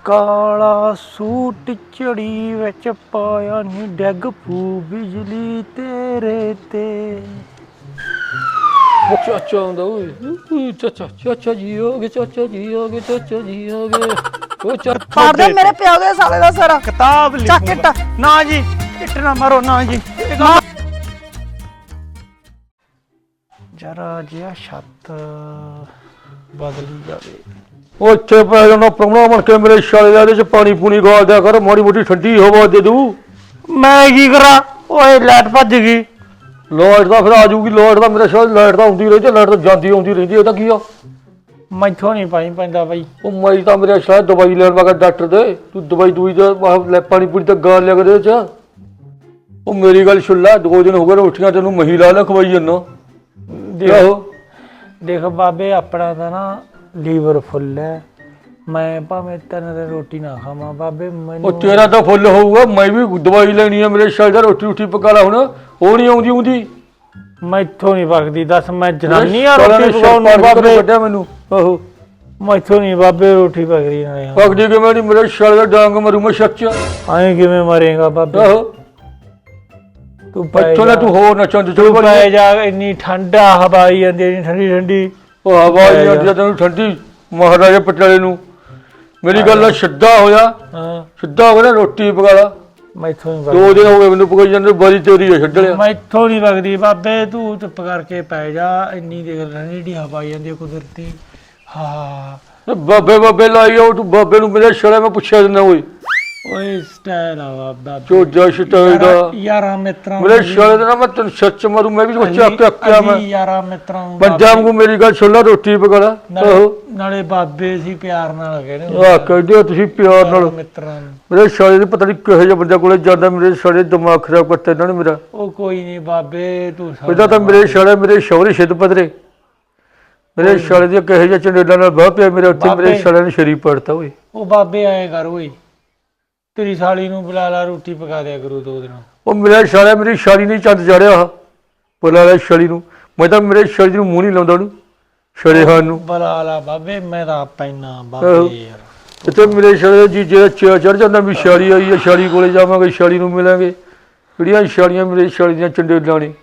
ਕਾਲਾ ਸੂਟ ਚੜੀ ਵਿੱਚ ਪਾਇਆ ਨੀ ਡੈਗ ਪੂ ਬਿਜਲੀ ਤੇਰੇ ਤੇ। ਚਾਚਾ ਆਉਂਦਾ ਓਏ ਚਾਚਾ ਜੀ ਹੋ ਗਏ, ਚਾਚਾ ਜੀ ਹੋ ਗਏ, ਚਾਚਾ ਜੀ ਹੋ ਗਏ। ਉਹ ਪਾੜ ਦੇ ਮੇਰੇ ਪਿਓ ਦੇ ਸਾਲੇ ਦਾ ਸਿਰ। ਕਿਤਾਬ ਚੱਕ ਲਿਖੂੰਗਾ ਨਾ ਜੀ, ਇੱਟ ਨਾ ਮਾਰੋ ਨਾ ਜੀ। ਜਰਾ ਜਿਹਾ ਛੱਤ ਬਦਲੀ ਜਾਵੇ। ਉਹ ਇੱਥੇ ਪੈ ਜਾਣਾ ਪ੍ਰਾਹੁਣਾ ਬਣ ਕੇ ਮੇਰੇ ਛਾਲੇ ਦਾ, ਇਹਦੇ ਚ ਪਾਣੀ ਪੂਣੀ ਗਾਲ ਦਿਆ ਕਰ, ਮਾੜੀ ਮੋਟੀ ਠੰਡੀ ਹਵਾ ਦੇ ਦੂ। ਮੈਂ ਕੀ ਕਰਾਂ, ਓਏ ਲਾਈਟ ਭੱਜ ਗਈ। ਲਾਈਟ ਦਾ ਫਿਰ ਆ ਜੂਗੀ, ਲਾਈਟ ਦਾ ਮੇਰੇ ਛਾਲੇ ਲਾਈਟ ਤਾਂ ਆਉਂਦੀ ਰਹਿੰਦੀ, ਲਾਈਟ ਤਾਂ ਜਾਂਦੀ ਆਉਂਦੀ ਰਹਿੰਦੀ, ਇਹਦਾ ਕੀ ਆ। ਮੈਥੋਂ ਨਹੀਂ ਪਾਈ ਪੈਂਦਾ ਬਾਈ। ਉਹ ਮੈਂ ਤਾਂ ਮੇਰੇ ਛਾਲੇ ਦਵਾਈ ਲੈਣ ਵਾਗਾ ਡਾਕਟਰ ਦੇ, ਤੂੰ ਦਵਾਈ ਦੂਈ ਦਾ ਪਾਣੀ ਪੂਣੀ ਤਾਂ ਗਾਲ ਲਿਆ ਕਰ ਇਹਦੇ ਚ। ਉਹ ਮੇਰੀ ਗੱਲ ਸੁਣ ਲੈ, 2 ਦਿਨ ਹੋ ਗਏ ਰੋਟੀਆਂ ਤੈਨੂੰ ਮਹੀ ਲਾ ਖਵਾਈ ਜਾਂਦਾ। ਦੇਖ ਬਾਬੇ, ਆਪਣਾ ਤਾਂ ਨਾ ਲੀਵਰ ਫੁੱਲ ਹੈ। ਮੈਂ ਭਾਵੇਂ 3 ਦਿਨ ਰੋਟੀ ਨਾ ਖਾਵਾਂ ਬਾਬੇ, ਮੈਨੂੰ ਉਹ ਤੇਰਾ ਤਾਂ ਫੁੱਲ ਹੋਊਗਾ, ਮੈਂ ਵੀ ਦਵਾਈ ਲੈਣੀ ਆ ਮੇਰੇ ਛਾਲੇ ਦਾ, ਰੋਟੀ ਪਕਾ ਲਾ ਹੁਣ, ਉਹ ਨਹੀਂ ਆਉਂਦੀ। ਮੈਥੋਂ ਨਹੀਂ ਪੱਕਦੀ, ਦੱਸ ਮੈਂ ਜਨਾਨੀ ਆ ਰੋਟੀ ਪਕਾਉਣ ਨੂੰ ਬਾਬੇ। ਵੱਡਿਆ ਮੈਨੂੰ ਆਹੋ, ਮੈਥੋਂ ਨਹੀਂ ਬਾਬੇ ਰੋਟੀ ਪਕਦੀ ਨਾਲੇ। ਪਕਦੀ ਕਿਵੇਂ ਨਹੀਂ, ਮੇਰੇ ਛਾਲੇ ਦਾ ਡਾਂਗ ਮਰੂ ਮੈਂ ਸੱਚ। ਐਂ ਕਿਵੇਂ ਮਰੇਗਾ ਬਾਬੇ? ਆਹੋ ਤੂੰ ਇੱਥੋਂ ਨਾ ਤੂੰ ਹੋਰ ਨਾ ਚੰਦ ਤੂੰ ਪੈ ਜਾ, ਇੰਨੀ ਠੰਡਾ ਹਵਾ ਆਈ ਜਾਂਦੀ, ਇੰਨੀ ਠੰਡੀ ਠੰਡੀ। ਉਹ ਹਵਾ ਆਈ ਜਾਂਦੀ ਤੈਨੂੰ ਠੰਡੀ, ਮਹਾਰਾਜਾ ਪਟਿਆਲੇ ਨੂੰ। ਮੇਰੀ ਗੱਲ ਨਾਲ ਸਿੱਧਾ ਹੋਇਆ, ਹਾਂ ਸਿੱਧਾ ਹੋ ਗਿਆ, ਰੋਟੀ ਪਕਾ ਲਾ। ਮੈਥੋਂ ਨਹੀਂ 2 ਦਿਨ ਹੋ ਗਏ ਮੈਨੂੰ ਪਕਾਈ ਜਾਂਦੇ, ਬਾਰੀ ਤੇਰੀ ਹੈ ਛੱਡ ਲਿਆ। ਮੈਥੋਂ ਨਹੀਂ ਪਕਦੀ ਬਾਬੇ, ਤੂੰ ਚੁੱਪ ਕਰਕੇ ਪੈ ਜਾ। ਇੰਨੀ ਦੇਖ ਠੰਡੀ ਠੰਡੀ ਹਵਾ ਆਈ ਜਾਂਦੀ ਕੁਦਰਤੀ। ਹਾਂ ਬਾਬੇ ਲਾਈ ਆਉ, ਤੂੰ ਬਾਬੇ ਨੂੰ ਮੇਰੇ ਛੜਾ ਮੈਂ ਪੁੱਛਿਆ ਦਿੰਦਾ ਓਏ। ਓਏ ਸਟਾਈਲ ਆ ਬਾਬਾ, ਚੋਜਾ ਸਟਾਈਲ ਦਾ ਯਾਰਾਂ ਮਿੱਤਰਾਂ ਮੇਰੇ ਛੜੇ ਦਾ ਨਾ ਮੈਂ ਤੈਨੂੰ ਸੱਚ ਮਾਰੂ, ਮੈਂ ਵੀ ਚੱਕ ਕੇ ਅੱਕਿਆ ਮੈਂ। ਯਾਰਾਂ ਮਿੱਤਰਾਂ ਨੂੰ ਪੰਜਾਬ ਨੂੰ ਮੇਰੀ ਗੱਲ ਸੁਣ ਲੈ, ਰੋਟੀ ਪਕਾ ਲਾ। ਨਾਲੇ ਬਾਬੇ ਸੀ ਪਿਆਰ ਨਾਲ ਕਹਿੰਦੇ ਆਹ ਕਹਿੰਦੇ ਤੁਸੀਂ ਪਿਆਰ ਨਾਲ। ਮਿੱਤਰਾਂ ਨੂੰ ਮੇਰੇ ਛੜੇ ਦੇ ਪਤਾ ਨਹੀਂ ਕਿਹੋ ਜਿਹੇ ਬੰਦੇ ਕੋਲੇ ਜਾਂਦਾ, ਮੇਰੇ ਛੜੇ ਦਿਮਾਗ ਖਰਾਬ ਕਰਤੇ ਇਹਨਾਂ ਨੇ ਮੇਰਾ। ਉਹ ਕੋਈ ਨਹੀਂ ਬਾਬੇ, ਤੂੰ ਇਹਦਾ ਤਾਂ ਮੇਰੇ ਛੜੇ ਮੇਰੇ ਸ਼ੌਹਰੇ ਸਿੱਧ ਪਦਰੇ, ਮੇਰੇ ਛੜੇ ਦੀਆਂ ਕਿਹੋ ਜਿਹੇ ਚੰਡੇਲਾਂ ਨਾਲ ਬਾਹ ਪਿਆ ਮੇਰੇ ਉੱਥੇ, ਮੇਰੇ ਛੜੇ ਨੇ ਸ਼ਰੀਰ ਪੜਤਾ ਓਏ। ਉਹ ਬਾਬੇ ਆਏ ਕਰ ਓਏ, ਤੇਰੀ ਸਾਲੀ ਨੂੰ ਬੁਲਾ ਲਾ, ਰੋਟੀ ਪਕਾ ਦਿਆ ਕਰੂ 2 ਦਿਨ। ਉਹ ਮੇਰਾ ਛੜਾ ਮੇਰੀ ਛਾਲੀ ਨਹੀਂ ਚੰਦ ਚੜਿਆ, ਬੁਲਾ ਲੈ ਛੜੀ ਨੂੰ। ਮੈਂ ਤਾਂ ਮੇਰੇ ਛੜੀ ਨੂੰ ਮੂੰਹ ਨਹੀਂ ਲਾਉਂਦਾ ਉਹਨੂੰ, ਛੜੇ ਖਾਨ ਨੂੰ। ਬੁਲਾ ਲਾ ਬਾਬੇ, ਮੈਂ ਤਾਂ ਪੈਣਾ ਬਾਬੇ ਯਾਰ। ਇੱਥੇ ਮੇਰੇ ਛੜੇ ਦਾ ਜੀਜੇ ਦਾ ਚੜ ਜਾਂਦਾ ਵੀ ਛਾਲੀ ਆਈ ਹੈ, ਛਾਲੀ ਕੋਲੇ ਜਾਵਾਂਗੇ, ਛਾਲੀ ਨੂੰ ਮਿਲਾਂਗੇ। ਕਿਹੜੀਆਂ ਛਾਲੀਆਂ ਮੇਰੇ ਛਾਲੀ ਦੀਆਂ ਚੰਡੇਲਾਂ ਨੇ।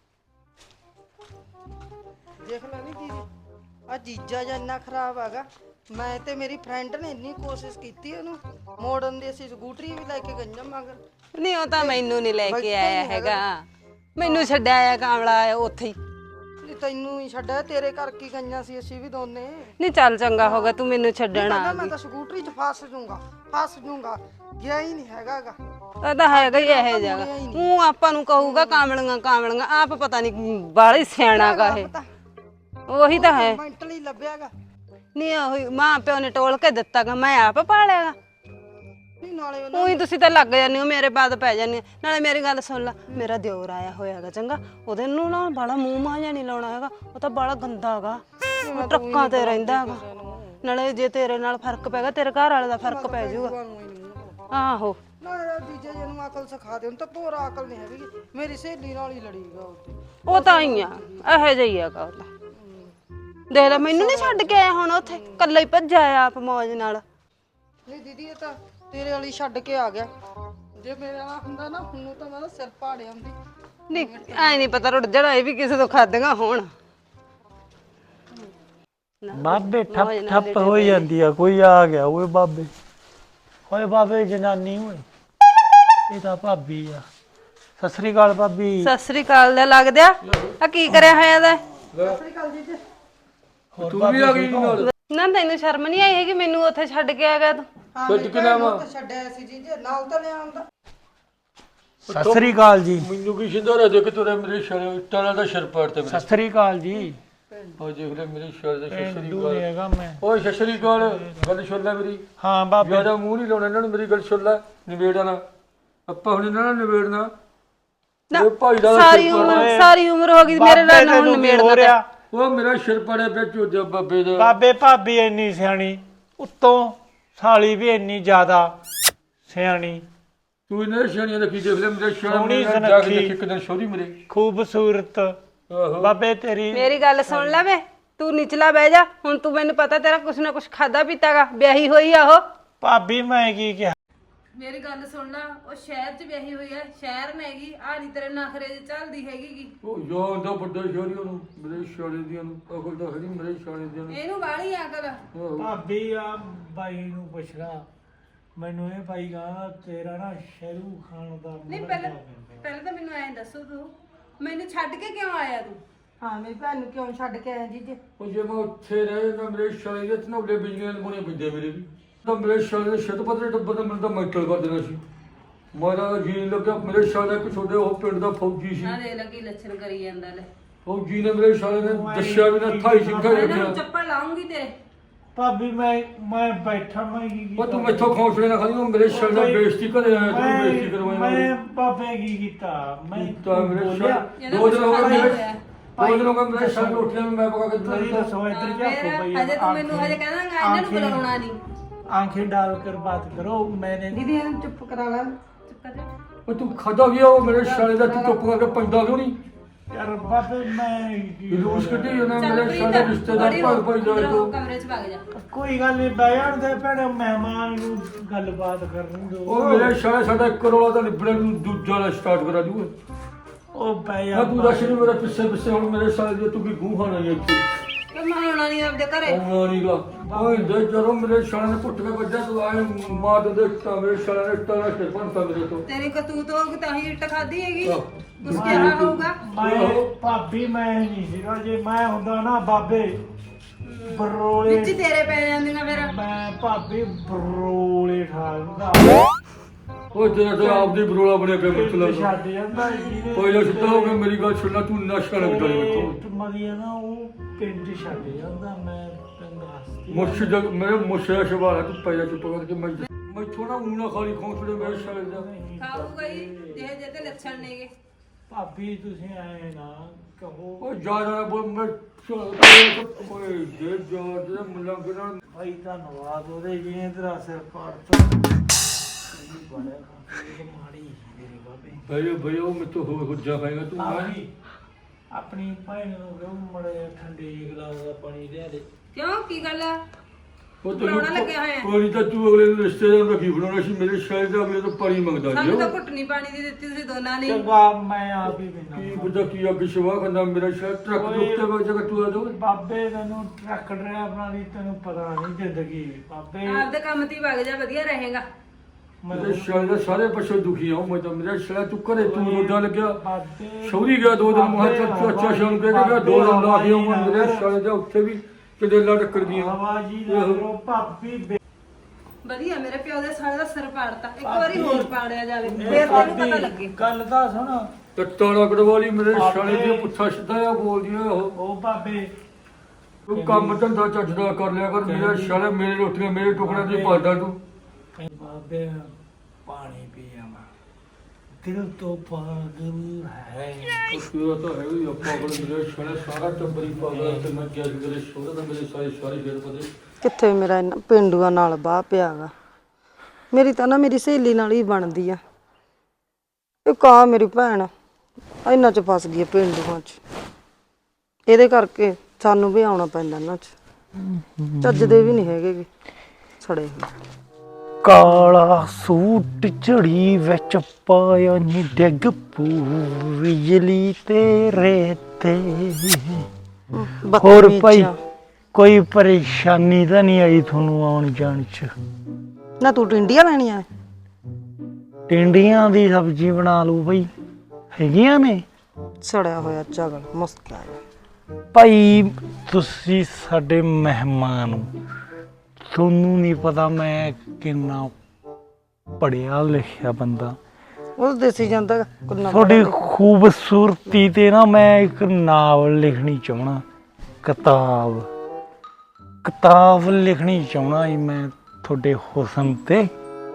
ਦੇਖ ਲੈ ਨੀ ਦੀਦੀ, ਆ ਜੀਜਾ ਜਾਂ ਇੰਨਾ ਖਰਾਬ ਹੈਗਾ। ਮੈਂ ਤੇ ਮੇਰੀ ਫਰੈਂਡ ਨੇ ਇੰਨੀ ਕੋਸ਼ਿਸ਼ ਕੀਤੀ ਉਹਨੂੰ ਮੋੜਨ ਦੀ, ਅਸੀਂ ਸਕੂਟਰੀ ਵੀ ਲੈ ਕੇ ਗਈਆਂ ਮਗਰ। ਨਹੀਂ ਉਹ ਤਾਂ ਮੈਨੂੰ ਨਹੀਂ ਲੈ ਕੇ ਆਇਆ ਹੈਗਾ, ਮੈਨੂੰ ਛੱਡਿਆ ਆਇਆ ਕਾਮਲਾ ਉੱਥੇ ਹੀ। ਨਹੀਂ ਤੈਨੂੰ ਹੀ ਛੱਡਿਆ, ਤੇਰੇ ਘਰ ਕੀ ਗਈਆਂ ਸੀ ਅਸੀਂ ਵੀ ਦੋਨੇ। ਨਹੀਂ ਚੱਲ ਚੰਗਾ ਹੋ ਗਿਆ ਤੂੰ ਮੈਨੂੰ ਛੱਡਣ ਆ ਮੈਂ ਤਾਂ ਸਕੂਟਰੀ 'ਚ ਫਸ ਜੂੰਗਾ, ਗਿਆ ਹੀ ਨਹੀਂ ਹੈਗਾਗਾ। ਉਹ ਤਾਂ ਹੈਗਾ ਹੀ ਇਹ ਜਗ੍ਹਾ, ਉਹ ਆਪਾਂ ਨੂੰ ਕਹੂਗਾ ਕਾਮਲੀਆਂ, ਆਪ ਪਤਾ ਨਹੀਂ ਬਾਹਲੀ ਸਿਆਣਾ ਗਾ ਇਹ। ਉਹੀ ਤਾਂ ਹੈ, ਮੈਂਟਲੀ ਲੱਭਿਆਗਾ। ਨਹੀਂ ਉਹੀ ਮਾਂ ਪਿਓ ਨੇ ਟੋਲ ਕੇ ਦਿੱਤਾਗਾ, ਮੈਂ ਆਪ ਪਾਲਿਆਗਾ। ਨਹੀਂ ਨਾਲੇ ਉਹੀ ਤੁਸੀਂ ਤਾਂ ਲੱਗ ਜਾਂਦੇ ਹੋ ਮੇਰੇ ਬਾਅਦ ਪੈ ਜਾਂਦੇ। ਨਾਲੇ ਮੇਰੀ ਗੱਲ ਸੁਣ ਲੈ, ਮੇਰਾ ਦਿਓਰ ਆਇਆ ਹੋਇਆਗਾ ਚੰਗਾ, ਉਹਦੇ ਨੂੰ ਨਾ ਬਾਲਾ ਮੂੰਹ ਮਾਂ ਜਿਹਾ ਨਹੀਂ ਲਾਉਣਾ ਹੈਗਾ, ਉਹ ਤਾਂ ਬਾਲਾ ਗੰਦਾ ਹੈਗਾ, ਉਹ ਟਰੱਕਾਂ ਤੇ ਰਹਿੰਦਾ ਹੈਗਾ। ਨਾਲੇ ਜੇ ਤੇਰੇ ਨਾਲ ਫਰਕ ਪੈਗਾ, ਤੇਰੇ ਘਰ ਵਾਲੇ ਦਾ ਫਰਕ ਪੈ ਜਾਊਗਾ। ਆਹੋ ਨਾ ਜੀਜੇ ਜੀ ਨੂੰ ਅਕਲ ਸਿਖਾ ਦੇ, ਉਹਨੂੰ ਤਾਂ ਪੂਰਾ ਅਕਲ ਨਹੀਂ ਹੈਗੀ। ਮੇਰੀ ਸਹੇਲੀ ਨਾਲ ਹੀ ਲੜੀਗਾ ਉੱਥੇ। ਉਹ ਤਾਂ ਹੀ ਆ, ਇਹੋ ਜਿਹਾ ਹੀ ਹੈਗਾ ਉਹ ਤਾਂ। ਦੇਖ ਲੈ ਮੈਨੂੰ ਨਹੀਂ ਛੱਡ ਕੇ ਆਇਆ, ਹੁਣ ਉੱਥੇ ਕੱਲਾ ਹੀ ਭੱਜਿਆ ਆ ਆਪ ਮੌਜ ਨਾਲ। ਨਹੀਂ ਦੀਦੀ, ਇਹ ਤਾਂ ਤੇਰੇ ਵਾਲੀ ਛੱਡ ਕੇ ਆ ਗਿਆ। ਜੇ ਮੇਰੇ ਵਾਲਾ ਹੁੰਦਾ ਨਾ, ਹੁਣ ਤਾਂ ਮੈਂ ਸਿਰ ਪਾੜਿਆ ਹੁੰਦੀ। ਨਹੀਂ ਐ ਨਹੀਂ ਪਤਾ ਰੁੱਟ ਜਣਾ ਇਹ ਵੀ ਕਿਸੇ ਤੋਂ ਖਾਦੀਆਂ ਹੋਣ। ਬਾਬੇ ਠੱਪ ਹੋ ਜਾਂਦੀ ਆ, ਕੋਈ ਆ ਗਿਆ ਓਏ ਬਾਬੇ। ਓਏ ਬਾਬੇ ਜਨਾਨੀ ਓਏ, ਇਹ ਤਾਂ ਭਾਬੀ ਆ। ਸਤਿ ਸ੍ਰੀ ਅਕਾਲ ਭਾਬੀ। ਸਤਿ ਸ੍ਰੀ ਅਕਾਲ ਦਾ ਲੱਗਦਿਆ ਆ ਕੀ ਕਰਿਆ ਹੋਇਆ ਦਾ? ਸਤਿ ਸ੍ਰੀ ਅਕਾਲ ਜੀਜੇ। ਤੂੰ ਵੀ ਆ ਗਈ ਨਾਲ? ਨਾ ਤੈਨੂੰ ਸ਼ਰਮ ਨਹੀਂ ਆਈ ਹੈਗੀ ਮੈਨੂੰ ਉੱਥੇ ਛੱਡ ਕੇ ਆ ਗਿਆ ਤੂੰ? ਛੱਡ ਕੇ ਲਿਆਵਾਂ? ਛੱਡਿਆ ਸੀ ਜੀਜੇ, ਨਾਲ ਤਾਂ ਲਿਆ ਆਉਂਦਾ। ਸਤਿ ਸ੍ਰੀ ਅਕਾਲ ਜੀ। ਮੈਨੂੰ ਕੀ ਸਿੰਧਾਰਾ ਦੇ ਕੇ ਤੁਰੇ ਮੇਰੇ ਛੜੇ, ਇੱਟਾਂ ਨਾਲ ਦਾ ਸਿਰ ਪਾੜਤੇ ਮੇਰੇ। ਸਤਿ ਸ੍ਰੀ ਅਕਾਲ ਜੀ। ਉਹ ਦੇਖ ਲੈ ਮੇਰੇ ਛੜੇ ਦਾ ਸਤਿ ਸ੍ਰੀ ਦੂਰ ਅਕਾਲ। ਹੈਗਾ ਮੈਂ। ਓਏ ਸਤਿ ਸ੍ਰੀ ਅਕਾਲ, ਗੱਲ ਸੁਣ ਲੈ ਮੇਰੀ। ਹਾਂ ਬਾਬੇ। ਜਿਆਦਾ ਮੂੰਹ ਨਹੀਂ ਲਾਉਣਾ ਇਹਨਾਂ ਨੂੰ, ਮੇਰੀ ਗੱਲ ਸੁਣ ਲੈ। ਨਿਬੇੜਨਾ ਆਪਾਂ ਹੁਣ ਇਹਨਾਂ ਨਾਲ ਨਿਬੇੜਨਾ। ਨਾ ਸਾਰੀ ਉਮਰ ਹੋ ਗਈ ਮੇਰੇ ਨਾਲ ਹੁਣ ਨਿਬੇੜਨਾ। ਉਹ ਮੇਰਾ ਸਿਰ ਪੜਿਆ ਪਿਆ ਚੋਦਿਆ ਬਾਬੇ ਦਾ। ਬਾਬੇ ਭਾਬੀ ਇੰਨੀ ਸਿਆਣੀ, ਉੱਤੋਂ ਸਾਲੀ ਵੀ ਇੰਨੀ ਜ਼ਿਆਦਾ ਸਿਆਣੀ। ਤੂੰ ਇਹਨਾਂ ਸਿਆਣੀਆਂ ਦਾ ਕੀ ਦੇਖ ਲੈ, ਮੇਰੇ ਸੋਹਣੀ ਸਿਆਣੇ ਜਾ ਕੇ ਦੇਖ ਇੱਕ ਦਿਨ ਸੋਹਰੀ ਮੇਰੇ ਖੂਬਸੂਰਤ। ਬਾਬੇ ਤੇਰੀ ਮੇਰੀ ਗੱਲ ਸੁਣ ਲੈ ਵੇ, ਤੂੰ ਨਿਚਲਾ ਬਹਿ ਜਾ ਹੁਣ। ਤੂੰ ਮੈਨੂੰ ਪਤਾ ਤੇਰਾ ਕੁਛ ਨਾ ਕੁਛ ਖਾਦਾ ਪੀਤਾਗਾ, ਵਿਆਹੀ ਹੋਈ ਆ ਉਹ। ਭਾਬੀ ਮੈਂ ਕੀ ਕਿਹਾ? ਮੇਰੀ ਗੱਲ ਸੁਣ ਲੈ, ਉਹ ਸ਼ਹਿਰ 'ਚ ਵਿਆਹੀ ਹੋਈ ਹੈ, ਸ਼ਹਿਰ ਨੇਗੀ, ਆ ਨਹੀਂ ਤੇਰੇ ਨਖਰੇ 'ਚ ਚੱਲਦੀ ਹੈਗੀ। ਉਹ ਯਾਰ ਦਾ ਵੱਡਾ ਸ਼ਹਿਰੀਆਂ ਨੂੰ ਮੇਰੇ ਸ਼ਾਲੇ ਦੀਆਂ ਨੂੰ ਅਕਲ ਤਾਂ ਹੈ ਨਹੀਂ ਮੇਰੇ ਸ਼ਾਲੇ ਦੀਆਂ ਨੂੰ। ਇਹਨੂੰ ਵਾਲੀ ਅਕਲ। ਭਾਬੀ ਆ ਬਾਈ ਨੂੰ ਪੁੱਛਣਾ, ਮੈਨੂੰ ਇਹ ਬਾਈ ਕਹਿੰਦਾ ਤੇਰਾ ਨਾ ਸ਼ਹਿਰੂ ਖਾਨ ਦਾ ਨਹੀਂ ਮੁੰਡਾ ਪਹਿਲਾਂ ਤਾਂ ਮੈਨੂੰ ਐਂ ਦੱਸੋ, ਤੂੰ ਮੈਨੂੰ ਛੱਡ ਕੇ ਕਿਉਂ ਆਇਆ ਤੂੰ? ਹਾਂ ਮੇਰੀ ਭੈਣ ਨੂੰ ਕਿਉਂ ਛੱਡ ਕੇ ਆਇਆ ਜੀਜੇ? ਉਹ ਜੇ ਮੈਂ ਉੱਥੇ ਰਹੇ ਨਾ ਮੇਰੇ ਸ਼ਾਲੇ ਦੇ ਤਨੌਲੇ ਬਿਜਲੀਆਂ ਲਗਾਉਣੇ ਪੈਂਦੇ ਮੇਰੇ ਵੀ ਤਾਂ ਮੇਰੇ ਸ਼ਾਲੇ ਦੇ ਛੱਤ ਪੱਤਰੇ ਡੱਬਾ ਤਾਂ ਮੈਨੂੰ ਤਾਂ ਮੈਂਟਲ ਕਰ ਦੇਣਾ ਸੀ। ਮਾਰਾ ਜੀਣ ਲੱਗਿਆ ਮੇਰੇ ਸ਼ਾਲੇ ਇੱਕ ਛੋਟੇ ਉਹ ਪਿੰਡ ਦਾ ਫੌਜੀ ਸੀ। ਆ ਦੇ ਲੱਗੀ ਲੱਛਣ ਕਰੀ ਜਾਂਦਾ ਲੈ। ਫੌਜੀ ਨੇ ਮੇਰੇ ਸ਼ਾਲੇ ਨੇ ਦੱਸਿਆ ਵੀ ਨਾ 28 ਸਿੰਘਾਂ ਮੈਂ ਰੱਖਿਆ। ਨਾ ਚੱਪਲ ਲਾਉਂਗੀ ਤੇਰੇ। ਭਾਬੀ ਮੈਂ ਬੈਠਾ ਮੈਂ ਕੀ ਉਹ ਤੂੰ ਮੈਥੋਂ ਖੌਸਲੇ ਨਾ ਖਾਲੀ, ਉਹ ਮੇਰੇ ਸ਼ਾਲੇ ਦਾ ਬੇਇੱਜ਼ਤੀ ਕਰੇ ਆਇਆ ਤੂੰ ਬੇਇੱਜ਼ਤੀ ਕਰਵਾਇਆ ਮੈਂ ਬਾਬੇ ਕੀ ਕੀਤਾ? ਮੈਂ ਤਾਂ ਮੇਰੇ ਬੋਲਿਆ? ਸ਼ਾਲੇ 2 ਦਿਨ ਹੋ ਗਏ ਮੇਰੇ 2 ਦਿਨ ਹੋ ਗਏ ਮੇਰੇ ਸ਼ਾਲੇ ਰੋਟੀਆਂ ਵੀ ਮੈਂ ਪਕਾ ਕੇ ਤੁਸੀਂ ਦਿੱਤਾ। ਦੱਸੋ ਇੱਧਰ ਜਾ ਕੇ ਬਈ ਹਜੇ ਤੂੰ ਮੈਨੂੰ ਹਜੇ ਕਹਿੰਦਾ ਇਹਨਾਂ ਨੂੰ ਬੁਲਾਉਣਾ ਨਹੀਂ। आंखें डालकर बात करो। मैंने ਦੀਦੀ ਇਹਨੂੰ ਚੁੱਪ ਕਰਾ ਲੈ। ਚੁੱਪ ਕਰ ਜਾ। ਉਹ ਤੂੰ ਖਾਦਾ ਗਿਆ ਉਹ ਮੇਰੇ ਸ਼ਾਲੇ ਦਾ ਤੂੰ ਚੁੱਪ ਕਰਕੇ ਪੈਂਦਾ ਕਿਉਂ ਨਹੀਂ? यार बाबे मैं ਜਲੂਸ ਕੱਢੀ ਉਹਨਾਂ ਚੱਲ ਮੇਰੇ ਸ਼ਾਲੇ ਪ੍ਰੀਤ, ਰਿਸ਼ਤੇਦਾਰ ਬੜੀ ਭਾਈ ਭਾਈ ਜਾਏ ਅੰਦਰੋਂ ਤੋਂ। ਕਮਰੇ 'ਚ ਵਗ ਜਾ। कोई गल नहीं बयान दे भैने मेहमान ਨੂੰ ਗੱਲਬਾਤ ਕਰਨ ਦਿਓ। ਉਹ ਮੇਰੇ ਸ਼ਾਲੇ ਸਾਡਾ 1 ਕਰੋੜ ਦਾ ਨਿਬੜਨ ਨੂੰ ਦੂਜਾ ਵਾਲਾ ਸਟਾਰਟ ਕਰਾ ਦੂਗਾ। ਉਹ ਮੈਂ ਬਈਆ ਤੂੰ ਦੱਸ ਨਹੀਂ ਮੇਰਾ ਪਿੱਛੇ ਹੁਣ ਮੇਰੇ ਸ਼ਾਲੇ ਦੀ ਤੂੰ ਕੀ ਗੂੰ ਖਾਣਾ ਹੈ ਇੱਥੇ? ਕਿ ਮੈਂ ਆਉਣਾ ਨਹੀਂ ਆਪਦੇ ਘਰੇ। ਉਹ ਨਹੀਂਗਾ ਓਏ ਦੇ ਜਦੋਂ ਮੇਰੇ ਸ਼ਾਲੇ ਨੇ ਪੁੱਟ ਕੇ ਵੱਜਿਆ ਤੂੰ ਆਏ ਮਾਰ ਦੇ ਤਾਂ ਮੇਰੇ ਸ਼ਾਲੇ ਨੇ ਟਾਣਾ ਸਿਰ ਪੰਤਾ ਮੇਰੇ ਤੋਂ। ਤੇਰੀ ਕਤੂਤ ਹੋ ਗਈ ਤਾਂ ਹੀ ਇੱਟ ਖਾਦੀ ਹੈਗੀ। ਆਹ। ਕੁਛ ਕਿਹਾ ਹੋਊਗਾ। ਮੈਂ ਭਾਬੀ ਮੈਂ ਨਹੀਂ ਸੀਗਾ, ਜੇ ਮੈਂ ਹੁੰਦਾ ਨਾ ਬਾਬੇ ਬਰੋਲੇ ਵਿੱਚ ਹੀ ਤੇਰੇ ਪੈ ਜਾਂਦੀਆਂ ਫਿਰ। ਮੈਂ ਭਾਬੀ ਬਰੋਲੇ ਖਾ ਲੂੰਗਾ। ਉਹ ਜਿਹੜਾ ਤੇ ਆਪਦੀ ਬਰੋਲਾ ਬਣਿਆ ਪਿਆ ਮਤਲਬ ਛੱਡ ਜਾਂਦਾ ਜੀ। ਕੋਈ ਨਾ ਸਿੱਧਾ ਹੋ ਗਿਆ ਮੇਰੀ ਗੱਲ ਸੁਣਨਾ ਤੂੰ ਨਸ਼ਾ ਨਾ ਕਰੀ ਵੇਖੋ ਮਰੀਆ ਨਾ ਉਹ ਪਿੰਡ ਛੱਡ ਜਾਂਦਾ। ਮੈਂ ਤੈਨੂੰ ਦੱਸਦੀ ਮੁਰਸ਼ਿਦ ਮੇਰੇ ਮੁਰਸ਼ਿਦ ਸ਼ਵਾਲ ਤੂੰ ਪਹਿਲਾਂ ਚੁੱਪ ਕਰਕੇ ਮੈਂ ਥੋੜਾ ਊਣਾ ਖਾਲੀ ਖੌਂਸਲੇ ਮੇਰੇ ਸ਼ਾਲੇ ਦਾ। ਖਾਊਗਾ ਹੀ ਜਿਹੇ ਜਿਹੇ ਤੇ ਲੱਛਣ ਨੇਗੇ। ਭਾਬੀ ਤੁਸੀਂ ਆਏ ਨਾ ਕਹੋ। ਉਹ ਜਿਆਦਾ ਬੋਲ ਮੈਂ ਓਏ ਦੇ ਜੋ ਦੇ ਮੁਲੰਗ ਨਾਲ ਭਾਈ ਧੰਨਵਾਦ ਉਹਦੇ ਜੀ ਨੇ ਤੇਰਾ ਸਿਰ ਪਾੜਤਾ। ਸਹੀ ਬੜਾ ਮਾੜੀ ਮੇਰੇ ਬਾਬੇ। ਭਈਆ ਮੈਂ ਤਾਂ ਹੋ ਜਾ ਪਾਏਗਾ ਤੂੰ ਭਾਬੀ ਆਪਣੀ ਭੈਣ ਨੂੰ ਕਹੋ ਮੜੇ ਠੰਡੇ ਗਲਾਸ ਦਾ ਪਾਣੀ ਲਿਆ ਦੇ। ਕਿਉਂ ਕੀ ਗੱਲ ਆ? ਉਹ ਬਣਾਉਣਾ ਲੱਗਿਆ ਹੋਇਆ। ਕੋਈ ਤਾਂ ਤੂੰ ਅਗਲੇ ਨੂੰ ਰਿਸ਼ਤੇਦਾਰ ਦਾ ਕੀ ਬਣਾਉਣਾ ਸੀ ਮੇਰੇ ਸ਼ਾਇਦ ਦਾ ਅਗਲੇ ਤੋਂ ਪਾਣੀ ਮੰਗਦਾ ਜੀ ਸਾਨੂੰ ਤਾਂ ਘੁੱਟਣੀ ਪਾਣੀ ਦੀ ਦਿੱਤੀ ਤੁਸੀਂ ਦੋਨਾਂ ਨੇ। ਚੰਗਾ ਮੈਂ ਆਪ ਹੀ ਕੀ ਬਿਨਾ ਬੁੱਧਾ ਕੀ ਅੱਗ ਸ਼ਵਾ ਕਰਦਾ ਮੇਰਾ ਸ਼ਾਇਦ ਟਰੱਕ ਦੇ ਉੱਤੇ ਬੈਠ ਜਾ ਤੂੰ ਆ ਦੋ ਬਾਬੇ ਤੈਨੂੰ ਟਰੱਕ ਡਰਾਈਵਰਾਂ ਦੀ ਤੈਨੂੰ ਪਤਾ ਨਹੀਂ ਜ਼ਿੰਦਗੀ ਬਾਬੇ। ਆਪਦੇ ਕੰਮ ਤੇ ਹੀ ਵਗ ਜਾ, ਵਧੀਆ ਰਹੇਗਾ। ਮੇਰੇ ਸ਼ਾਇਦ ਦਾ ਸਾਰੇ ਪਾਸੇ ਦੁਖੀ ਆ ਮੈਂ ਤਾਂ ਮੇਰਾ ਸ਼ਾਇਦ ਤੂੰ ਘਰੇ ਤੂੰ ਰੋਦਾ ਲੱਗਿਆ ਬਾਬੇ ਸ਼ੌਰੀ ਗਿਆ 2 ਦਿਨ ਮਹਾ ਚਾਚਾ ਸ਼ਾਨ ਕੇ ਗਿਆ 2 ਦਿਨ ਲਾ ਕੇ ਉਹ ਮੇਰੇ ਸ਼ਾਇਦ ਦਾ ਉੱਥੇ ਵੀ ਕਿਤੇ ਲੜ ਕਰ ਗਈਆਂ ਆਵਾਜ਼ੀ ਨਾ ਕਰੋ ਭਾਬੀ। ਵਧੀਆ ਮੇਰੇ ਪਿਓ ਦੇ ਸਾਲੇ ਦਾ ਸਿਰ ਪਾੜਤਾ। ਇੱਕ ਵਾਰੀ ਹੋਰ ਪਾੜਿਆ ਜਾਵੇ ਫੇਰ ਤੈਨੂੰ ਪਤਾ ਲੱਗੇ। ਗੱਲ ਤਾਂ ਸੁਣ। ਟੱਟਾਣਾ ਕੜਵਾਲੀ ਮੇਰੇ ਸ਼ਾਲੇ ਦੀ ਪੁੱਠਾ ਸਿੱਧਾ ਆ ਬੋਲਦੀ ਆ ਉਹ ਬਾਬੇ ਤੂੰ ਕੰਮ ਧੰਦਾ ਚੱਜਦਾ ਕਰ ਲਿਆ ਕਰ ਮੇਰਾ ਸ਼ਾਲੇ ਮੇਰੇ ਰੋਟੀਆਂ ਮੇਰੇ ਟੁਕੜਿਆਂ ਦੀ ਪਾਲਦਾ ਤੂੰ ਬਾਬੇ ਪਾਣੀ ਪੀ ਆਵਾ ਦਿਲ ਤੋਂ ਪਾਗਲ ਹੈ। ਤੇਰਾ ਤਾਂ ਹੈ ਹੀ ਆਪਾਂ ਕੋਲ ਮੇਰੇ ਸ਼ਾਲੇ ਸਾਰਾ ਟੱਬਰੀ ਪਾਗਲ ਤੇ ਮੈਂ ਕਿਹਾ ਮੇਰੇ ਸ਼ੋਹਰੇ ਦਾ ਮੇਰੇ ਸਾਰੇ ਫੇਰ ਪਤੇ ਕਿੱਥੇ ਮੇਰਾ ਇਹਨਾਂ ਪਿੰਡੂਆਂ ਨਾਲ ਬਾਹ ਪਿਆਗਾ। ਮੇਰੀ ਤਾਂ ਨਾ ਮੇਰੀ ਸਹੇਲੀ ਨਾਲ ਹੀ ਬਣਦੀ ਆ। ਇਹ ਕਾਂ ਮੇਰੀ ਭੈਣ ਇਹਨਾਂ ਚ ਫਸ ਗਈ ਆ ਪਿੰਡੂਆਂ ਚ। ਇਹਦੇ ਕਰਕੇ ਸਾਨੂੰ ਵੀ ਆਉਣਾ ਪੈਂਦਾ ਇਹਨਾਂ ਚ। ਚੱਜਦੇ ਵੀ ਨਹੀਂ ਹੈਗੇ ਗੇ, ਸੜੇ ਹੋਏ। ਕਾਲਾ ਸੂਟ ਝੜੀ ਵਿੱਚ ਪਾਇਆ ਨੀ ਡਿੱਗ ਪੂ ਬਿਜਲੀ ਤੇਰੇ ਤੇ। ਹੋਰ ਬਦਤਮੀਜ਼ ਭਾਈ ਆ। ਕੋਈ ਪਰੇਸ਼ਾਨੀ ਤਾਂ ਨਹੀਂ ਆਈ ਤੁਹਾਨੂੰ ਆਉਣ ਜਾਣ ਚ? ਨਾ ਤੂੰ ਟਿੰਡੀਆਂ ਲੈਣੀਆਂ ਨੇ? ਟਿੰਡੀਆਂ ਦੀ ਸਬਜ਼ੀ ਬਣਾ ਲਓ ਬਈ, ਹੈਗੀਆਂ ਨੇ। ਸੜਿਆ ਹੋਇਆ ਚਗਲ ਮੁਸਕਿਆ। ਭਾਈ ਤੁਸੀਂ ਸਾਡੇ ਮਹਿਮਾਨ ਹੋ, ਤੁਹਾਨੂੰ ਨਹੀਂ ਪਤਾ ਮੈਂ ਕਿੰਨਾ ਪੜਿਆ ਲਿਖਿਆ ਬੰਦਾ। ਉਹ ਦੇਸੀ ਜਾਂਦਾ ਕੁੰਨਾ। ਤੁਹਾਡੀ ਖੂਬਸੂਰਤੀ ਤੇ ਨਾ ਮੈਂ ਇੱਕ ਨਾਵਲ ਲਿਖਣੀ ਚਾਹਣਾ। ਕਿਤਾਬ ਲਿਖਣੀ ਚਾਹਣਾ ਜੀ ਮੈਂ ਤੁਹਾਡੇ ਹੁਸਨ ਤੇ।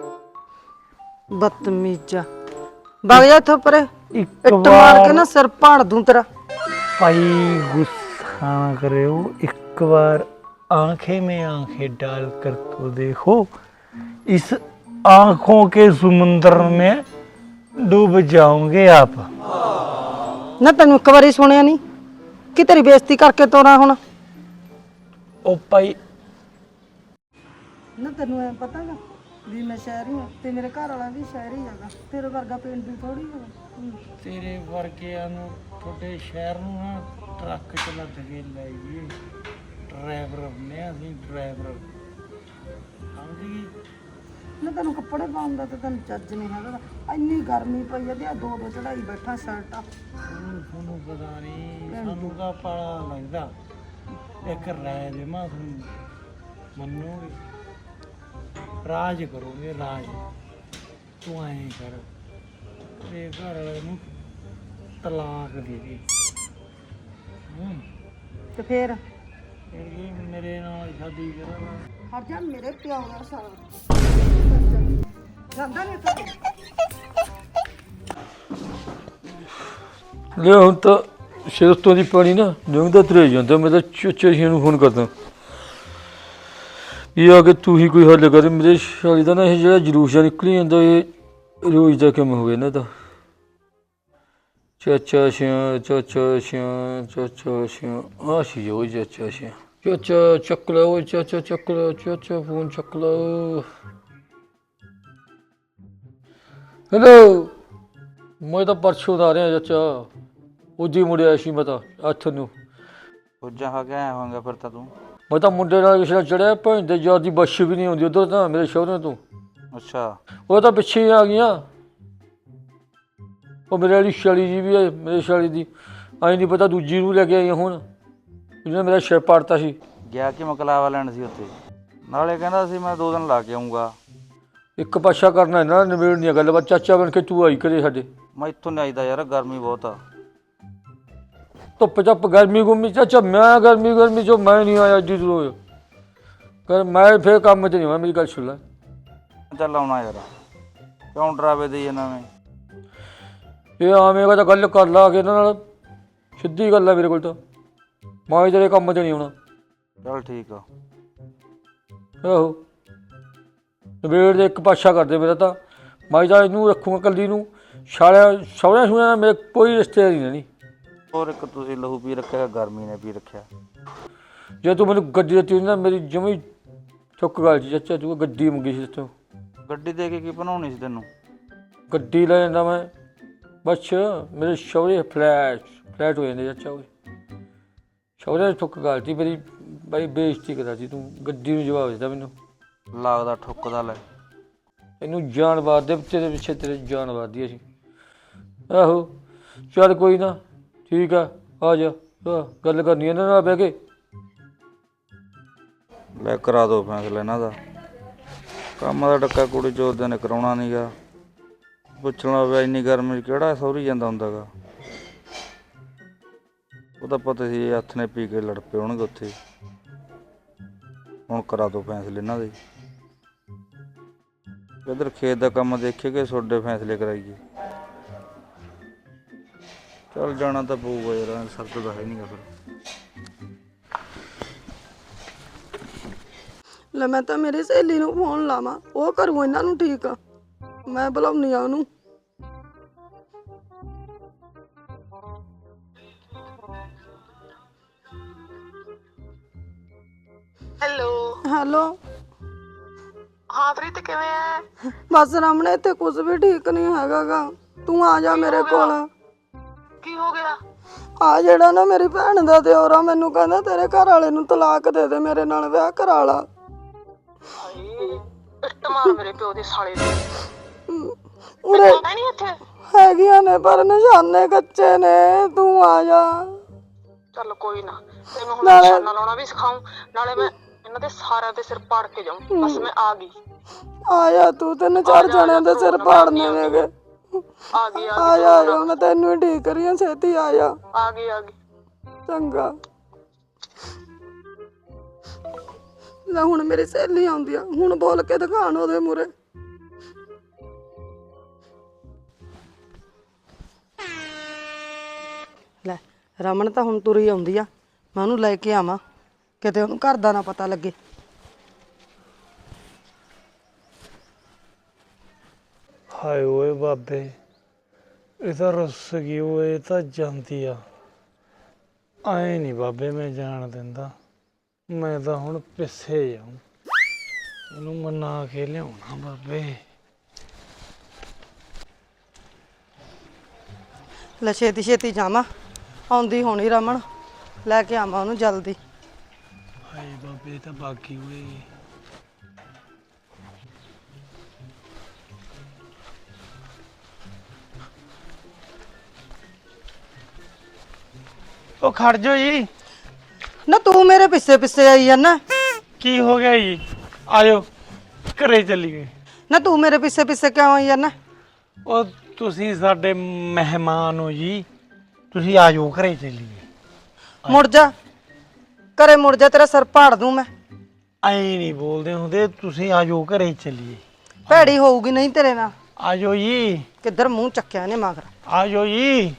ਬਦਤਮੀਜ਼ਾ ਵਗ ਜਾ ਇੱਥੋਂ ਪਰੇ। ਇੱਕ ਇੱਟ ਮਾਰ ਕੇ ਵਾਰ ਨਾ ਸਿਰ ਪਾੜ ਦੂੰ ਤੇਰਾ। ਭਾਈ गुस्सा ना करो, एक बार आंखें में आंखें डाल कर तो देखो, इस आंखों के समुंदर में डूब जाओगे आप। ਨਾ ਤੈਨੂੰ ਇੱਕ ਵਾਰੀ ਸੁਣਿਆ ਨਹੀਂ ਕਿ ਤੇਰੀ ਬੇਇੱਜ਼ਤੀ ਕਰਕੇ ਤੋਰਾ ਹੁਣ। ओ भाई ਨਾ ਤੈਨੂੰ ਐ ਪਤਾਗਾ ਵੀ ਮੈਂ ਸ਼ਹਿਰੀ ਹਾਂ ਤੇ ਮੇਰੇ ਘਰ ਵਾਲਾ ਵੀ ਸ਼ਹਿਰੀ ਹੈਗਾ, ਤੇਰੇ ਵਰਗਾ ਪਿੰਡੂ ਥੋੜੀ ਹੈਗਾ। ਤੇਰੇ ਵਰਗਿਆਂ ਨੂੰ ਤੁਹਾਡੇ ਸ਼ਹਿਰ ਨੂੰ ਨਾ ਟਰੱਕ ਚ ਲੱਦ ਕੇ ਲੈ ਗਏ। ਡਰਾਈਵਰ ਨੇ ਅਸੀਂ ਡਰਾਈਵਰ ਸਮਝ ਗਈ। ਨਾ ਤੈਨੂੰ ਕੱਪੜੇ ਪਾਉਣ ਦਾ ਤੇ ਤੈਨੂੰ ਚੱਜ ਨਹੀਂ ਹੈਗਾ। ਇੰਨੀ ਗਰਮੀ ਪਈ ਆ ਤੇ ਆ ਦੋ ਚੜਾਈ ਬੈਠਾ ਸ਼ਰਟਾਂ। ਤੁਹਾਨੂੰ ਪਤਾ ਨਹੀਂ, ਸਾਨੂੰ ਤਾਂ ਪਾਲਾ ਲੱਗਦਾ। ਇੱਕ ਰਾਏ ਦੇਵਾਂ ਤੁਹਾਨੂੰ, ਮੰਨੋਗੇ? ਰਾਜ ਕਰੋਗੇ ਰਾਜ। ਤੂੰ ਐਂ ਕਰ, ਤੇ ਘਰ ਵਾਲੇ ਨੂੰ ਤਲਾਕ ਦੇ ਦੇ। ਤੇ ਫੇਰ ਇਹ ਮੇਰੇ ਨਾਲ ਸ਼ਾਦੀ ਕਰਾਂਗਾ। ਹਰ ਜਾ ਮੇਰੇ ਪਿਓ ਦਾ ਸਾਰਾ ਜਾਂਦਾ ਨਹੀਂ ਤਾਂ ਲੈ ਹੁਣ ਤਾਂ ਸਿਰ ਤੋਂ ਦੀ ਪਾਣੀ ਨਾ ਲੰਘਦਾ ਤੁਰਿਆ ਜਾਂਦਾ। ਮੈਂ ਤਾਂ ਚੋਚੇ ਜੀ ਨੂੰ ਫੋਨ ਕਰਦਾ, ਇਹ ਆ ਕੇ ਤੂੰ ਹੀ ਕੋਈ ਹੱਲ ਕਰ। ਮੇਰੇ ਸ਼ਾਲੀ ਦਾ ਨਾ ਇਹ ਜਿਹੜਾ ਜਲੂਸ ਜਿਹਾ ਨਿਕਲੀ ਜਾਂਦਾ, ਇਹ ਰੋਜ਼ ਦਾ ਕੰਮ ਹੋ ਗਿਆ ਇਹਨਾਂ ਦਾ। ਚਾਚਾ ਸਿਆਂ ਚਾਚਾ ਸਿਆਂ ਚਾਚਾ ਸਿਆਂ ਆ ਸੀ ਉਹ ਚਾਚਾ ਸਿਆਂ। ਚਾਚਾ ਚੱਕ ਲਾ ਉਹ, ਚਾਚਾ ਚੱਕ ਲਾ, ਚਾਚਾ ਫੋਨ ਚੱਕ ਲਾ। ਹੈਲੋ, ਮੈਂ ਤਾਂ ਪਰਸੋਂ ਦਾ ਆ ਰਿਹਾ ਚਾਚਾ, ਉਦੀ ਮੁੜਿਆ ਸੀ ਮੈਂ ਤਾਂ 8 ਨੂੰ। ਪੁੱਜਾ ਖਾ ਕੇ ਆਇਆ ਹੋਵਾਂਗਾ ਫਿਰ ਤਾਂ ਤੂੰ। ਮੈਂ ਤਾਂ ਮੁੰਡੇ ਨਾਲ ਕਿਸੇ ਨਾਲ ਚੜਿਆ, ਭੈਣ ਦੇ ਯਾਰ ਦੀ ਬੱਸ ਵੀ ਨਹੀਂ ਆਉਂਦੀ ਉੱਧਰ ਤਾਂ ਮੇਰੇ ਸ਼ਹਿਰੋਂ ਤੋਂ। ਅੱਛਾ, ਉਹ ਤਾਂ ਪਿੱਛੇ ਹੀ ਆ ਗਈਆਂ। ਉਹ ਮੇਰੇ ਵਾਲੀ ਸ਼ਾਲੀ ਜੀ ਵੀ ਹੈ, ਮੇਰੇ ਸ਼ਾਲੀ ਦੀ ਆਈ ਨਹੀਂ ਪਤਾ ਦੂਜੀ ਨੂੰ ਲੈ ਕੇ ਆਈ ਹੁਣ, ਜਿਹਨੇ ਮੇਰਾ ਸਿਰ ਪਾੜਤਾ ਸੀ। ਗਿਆ ਕਿ ਮਕਲਾਵਾ ਲੈਣ ਸੀ ਉੱਥੇ, ਨਾਲੇ ਕਹਿੰਦਾ ਸੀ ਮੈਂ 2 ਦਿਨ ਲਾ ਕੇ ਆਊਂਗਾ। ਇੱਕ ਪਾਸਾ ਕਰਨਾ ਇਹਨਾਂ ਨਾਲ ਨਿਬੇੜਨੀ ਆ ਗੱਲਬਾਤ। ਚਾਚਾ ਬਣ ਕੇ ਤੂੰ ਆਈ ਕਰੇ ਸਾਡੇ। ਮੈਂ ਇੱਥੋਂ ਨਹੀਂ ਆਈਦਾ ਯਾਰ, ਗਰਮੀ ਬਹੁਤ ਆ। ਧੁੱਪ ਚੱਪ ਗਰਮੀ ਗੁਰਮੀ ਚਾਚਾ, ਮੈਂ ਗਰਮੀ ਚੋਂ ਮੈਂ ਨਹੀਂ ਆਇਆ ਜੀ ਦੂਰੋਂ ਕਰ। ਮੈਂ ਫਿਰ ਕੰਮ 'ਚ ਨਹੀਂ ਹੋਇਆ, ਮੇਰੀ ਗੱਲ ਸੁਣ ਲੈ। ਚੱਲ ਆਉਣਾ ਯਾਰ, ਕਿਉਂ ਡਰਾਵੇ ਦੇਈ ਜਾਂਦਾ ਮੈਂ। ਇਹ ਆਵੇਂਗਾ ਤਾਂ ਗੱਲ ਕਰ ਲਾ ਕੇ ਇਹਨਾਂ ਨਾਲ, ਸਿੱਧੀ ਗੱਲ ਆ ਮੇਰੇ ਕੋਲ ਤਾਂ। ਮੈਂ ਤੇਰੇ ਕੰਮ 'ਚ ਨਹੀਂ ਆਉਣਾ। ਚੱਲ ਠੀਕ ਆ। ਆਹੋ, ਨਵੇੜ ਦੇ ਇੱਕ ਪਾਸਾ ਕਰਦੇ ਮੇਰਾ ਤਾਂ। ਮੈਂ ਤਾਂ ਇਹਨੂੰ ਰੱਖੂਗਾ ਕੱਲੀ ਨੂੰ। ਸਾਲਿਆਂ ਸਹੁਰਿਆਂ ਸੁਣਿਆ ਮੇਰੇ ਕੋਈ ਰਿਸ਼ਤੇਦਾਰੀ ਨਹੀਂ। ਹੋਰ ਇੱਕ ਤੁਸੀਂ ਲਹੂ ਪੀ ਰੱਖਿਆ, ਗਰਮੀ ਨੇ ਪੀ ਰੱਖਿਆ। ਜੇ ਤੂੰ ਮੈਨੂੰ ਗੱਡੀ ਦਿੱਤੀ ਨਾ, ਮੇਰੀ ਜਮੀ ਚੁੱਕ ਗੱਲ ਜੀ ਚਾਚਾ। ਤੂੰ ਗੱਡੀ ਮੰਗੀ ਸੀ ਤੂੰ, ਗੱਡੀ ਦੇ ਕੇ ਕੀ ਬਣਾਉਣੀ ਸੀ ਤੈਨੂੰ? ਗੱਡੀ ਲੈ ਜਾਂਦਾ ਮੈਂ ਬਸ। ਮੇਰੇ ਸਹੁਰੇ ਫਲੈਟ ਹੋ ਜਾਂਦੇ ਚਾਚਾ। ਉਹ ਸਹੁਰਿਆਂ ਚੁੱਕ ਗੱਲ ਸੀ ਮੇਰੀ, ਬੜੀ ਬੇਇੱਜ਼ਤੀ ਕਰਾ ਸੀ ਤੂੰ। ਗੱਡੀ ਨੂੰ ਜਵਾਬ ਦਿੱਤਾ ਮੈਨੂੰ। ਲੱਗਦਾ ਠੁੱਕਦਾ ਲੈ। ਇਹਨੂੰ ਜਾਨ ਵਾਰ ਦੇ, ਤੇਰੇ ਪਿੱਛੇ ਤੇਰੇ ਜਾਨ ਵਾਰਦੀ ਅਸੀਂ। ਆਹੋ ਚੱਲ ਕੋਈ ਨਾ, ਠੀਕ ਆ, ਆ ਜਾ। ਗੱਲ ਕਰਨੀ ਇਹਨਾਂ ਨਾਲ ਬਹਿ ਕੇ। ਲੈ ਕਰਾ ਦੋ ਫੈਸਲਾ ਇਹਨਾਂ ਦਾ। ਕੰਮ ਦਾ ਡੱਕਾ ਕੁੜੀ ਚੋਦ ਨੇ ਕਰਾਉਣਾ ਨੀ ਗਾ। ਪੁੱਛਣਾ ਪਿਆ ਇੰਨੀ ਗਰਮੀ 'ਚ ਕਿਹੜਾ ਸਹੁਰੀ ਜਾਂਦਾ ਹੁੰਦਾ ਗਾ। ਉਹ ਤਾਂ ਪਤਾ ਸੀ ਹੱਥ ਨੇ ਪੀ ਕੇ ਲੜ ਪਏ ਹੋਣਗੇ ਉੱਥੇ। ਹੁਣ ਕਰਾ ਦੋ ਫੈਸਲੇ ਇਹਨਾਂ ਦੇ। ਇੱਧਰ ਖੇਤ ਦਾ ਕੰਮ ਦੇਖੇ ਕਿ ਤੁਹਾਡੇ ਫੈਸਲੇ ਕਰਾਈਏ। ਚੱਲ ਜਾਣਾ ਤਾਂ ਪਊਗਾ ਯਾਰ, ਸਰਦ ਤਾਂ ਹੈ ਨਹੀਂ ਗਾ ਫਿਰ। ਲੈ ਮੈਂ ਤਾਂ ਮੇਰੀ ਸਹੇਲੀ ਨੂੰ ਫੋਨ ਲਾਵਾਂ, ਉਹ ਕਰੂ ਇਹਨਾਂ ਨੂੰ ਠੀਕ ਆ। ਮੈਂ ਬੁਲਾਉਣੀ ਆ ਉਹਨੂੰ। ਹੈਲੋ। ਹਾਂ ਪ੍ਰੀਤ, ਕਿਵੇਂ ਐ? ਬਸ ਰਾਮਣੇ, ਇੱਥੇ ਕੁਝ ਵੀ ਠੀਕ ਨਹੀਂ ਹੈਗਾ ਗਾ। ਤੂੰ ਆ ਜਾ ਮੇਰੇ ਕੋਲ। ਕੀ ਹੋ ਗਿਆ? ਆ ਜਿਹੜਾ ਨਾ ਮੇਰੀ ਭੈਣ ਦਾ ਦਿਓਰਾ ਮੈਨੂੰ ਕਹਿੰਦਾ ਤੇਰੇ ਘਰ ਵਾਲੇ ਨੂੰ ਤਲਾਕ ਦੇ ਦੇ, ਮੇਰੇ ਨਾਲ ਵਿਆਹ ਕਰਾ ਲਾ। ਹਾਏ, ਇੱਟ ਮਾਰ ਮੇਰੇ ਪਿਓ ਦੇ ਸਾਲੇ ਦੇ। ਉਰੇ ਪਤਾ ਨਹੀਂ ਇੱਥੇ ਹੈਗੀਆਂ ਨੇ ਪਰ ਨਿਸ਼ਾਨੇ ਕੱਚੇ ਨੇ। ਤੂੰ ਆ ਜਾ। ਚੱਲ ਕੋਈ ਨਾ, ਤੈਨੂੰ ਹੁਣ ਨਿਸ਼ਾਨਾ ਲਾਉਣਾ ਵੀ ਸਿਖਾਉਂ, ਨਾਲੇ ਮੈਂ ਇਹਨਾਂ ਦੇ ਸਾਰਿਆਂ ਦੇ ਸਿਰ ਪਾੜ ਕੇ ਜਾਊਂ। ਬਸ ਮੈਂ ਆ ਗਈ। ਆ ਜਾ ਤੂੰ, 3-4 ਜਣਿਆਂ ਦੇ ਸਿਰ ਪਾੜਨੇ ਨੇਗੇ। ਆ ਗਈ ਆ ਜਾ, ਮੈਂ ਤੈਨੂੰ ਹੀ ਠੀਕ ਕਰੀ ਆ, ਛੇਤੀ ਆ ਜਾ। ਆ ਗਈ। ਚੰਗਾ। ਲੈ ਹੁਣ ਮੇਰੀ ਸਹੇਲੀ ਆਉਂਦੀ ਆ, ਹੁਣ ਬੋਲ ਕੇ ਦਿਖਾਣ ਉਹਦੇ ਮੂਹਰੇ। ਲੈ ਰਮਨ ਤਾਂ ਹੁਣ ਤੁਰੀ ਆਉਂਦੀ ਆ, ਮੈਂ ਉਹਨੂੰ ਲੈ ਕੇ ਆਵਾਂ, ਕਿਤੇ ਉਹਨੂੰ ਘਰ ਦਾ ਨਾ ਪਤਾ ਲੱਗੇ। ਹਾਏ ਓਏ ਬਾਬੇ, ਇਹ ਤਾਂ ਰੁੱਸ ਗਈ ਓਏ, ਇਹ ਤਾਂ ਜਾਂਦੀ ਆ। ਆਏ ਨਹੀਂ ਬਾਬੇ ਮੈਂ ਜਾਣ ਦਿੰਦਾ, ਮੈਂ ਤਾਂ ਹੁਣ ਪਿੱਛੇ ਜਾਊਂ। ਇਹਨੂੰ ਮਨਾ ਕੇ ਲਿਆਉਣਾ ਬਾਬੇ। ਲੈ ਛੇਤੀ ਛੇਤੀ ਜਾਵਾਂ, ਆਉਂਦੀ ਹੋਣੀ ਰਮਨ, ਲੈ ਕੇ ਆਵਾਂ ਉਹਨੂੰ ਜਲਦੀ। ਹਾਏ ਬਾਬੇ ਤਾਂ ਬਾਕੀ ਹੋਏ। ਉਹ ਖੜ ਜਾਓ ਜੀ। ਨਾ ਤੂੰ ਮੇਰੇ ਪਿੱਛੇ ਪਿੱਛੇ ਆਈ ਜਾਂਦਾ। ਕੀ ਹੋ ਗਿਆ ਜੀ? ਆਜੋ ਘਰੇ ਚੱਲੀਏ। ਨਾ ਤੂੰ ਮੇਰੇ ਪਿੱਛੇ ਪਿੱਛੇ ਕਿਉਂ ਆਈ ਜਾਂਦਾ? ਉਹ ਤੁਸੀਂ ਸਾਡੇ ਮਹਿਮਾਨ ਹੋ ਜੀ, ਤੁਸੀਂ ਆਜੋ ਘਰੇ ਚੱਲੀਏ। ਮੁੜ ਜਾ ਘਰੇ, ਮੁੜ ਜਾ, ਤੇਰਾ ਸਿਰ ਪਾੜ ਦੂੰ ਮੈਂ। ਐਂ ਨਹੀਂ ਬੋਲਦੇ ਹੁੰਦੇ, ਤੁਸੀਂ ਆਜੋ ਘਰੇ ਚੱਲੀਏ। ਭੈੜੀ ਹੋਊਗੀ ਨਹੀਂ ਤੇਰੇ ਨਾਲ। ਆਜੋ ਜੀ, ਕਿੱਧਰ ਮੂੰਹ ਚੱਕਿਆ ਨੇ ਮਗਰ। ਆਜੋ ਜੀ।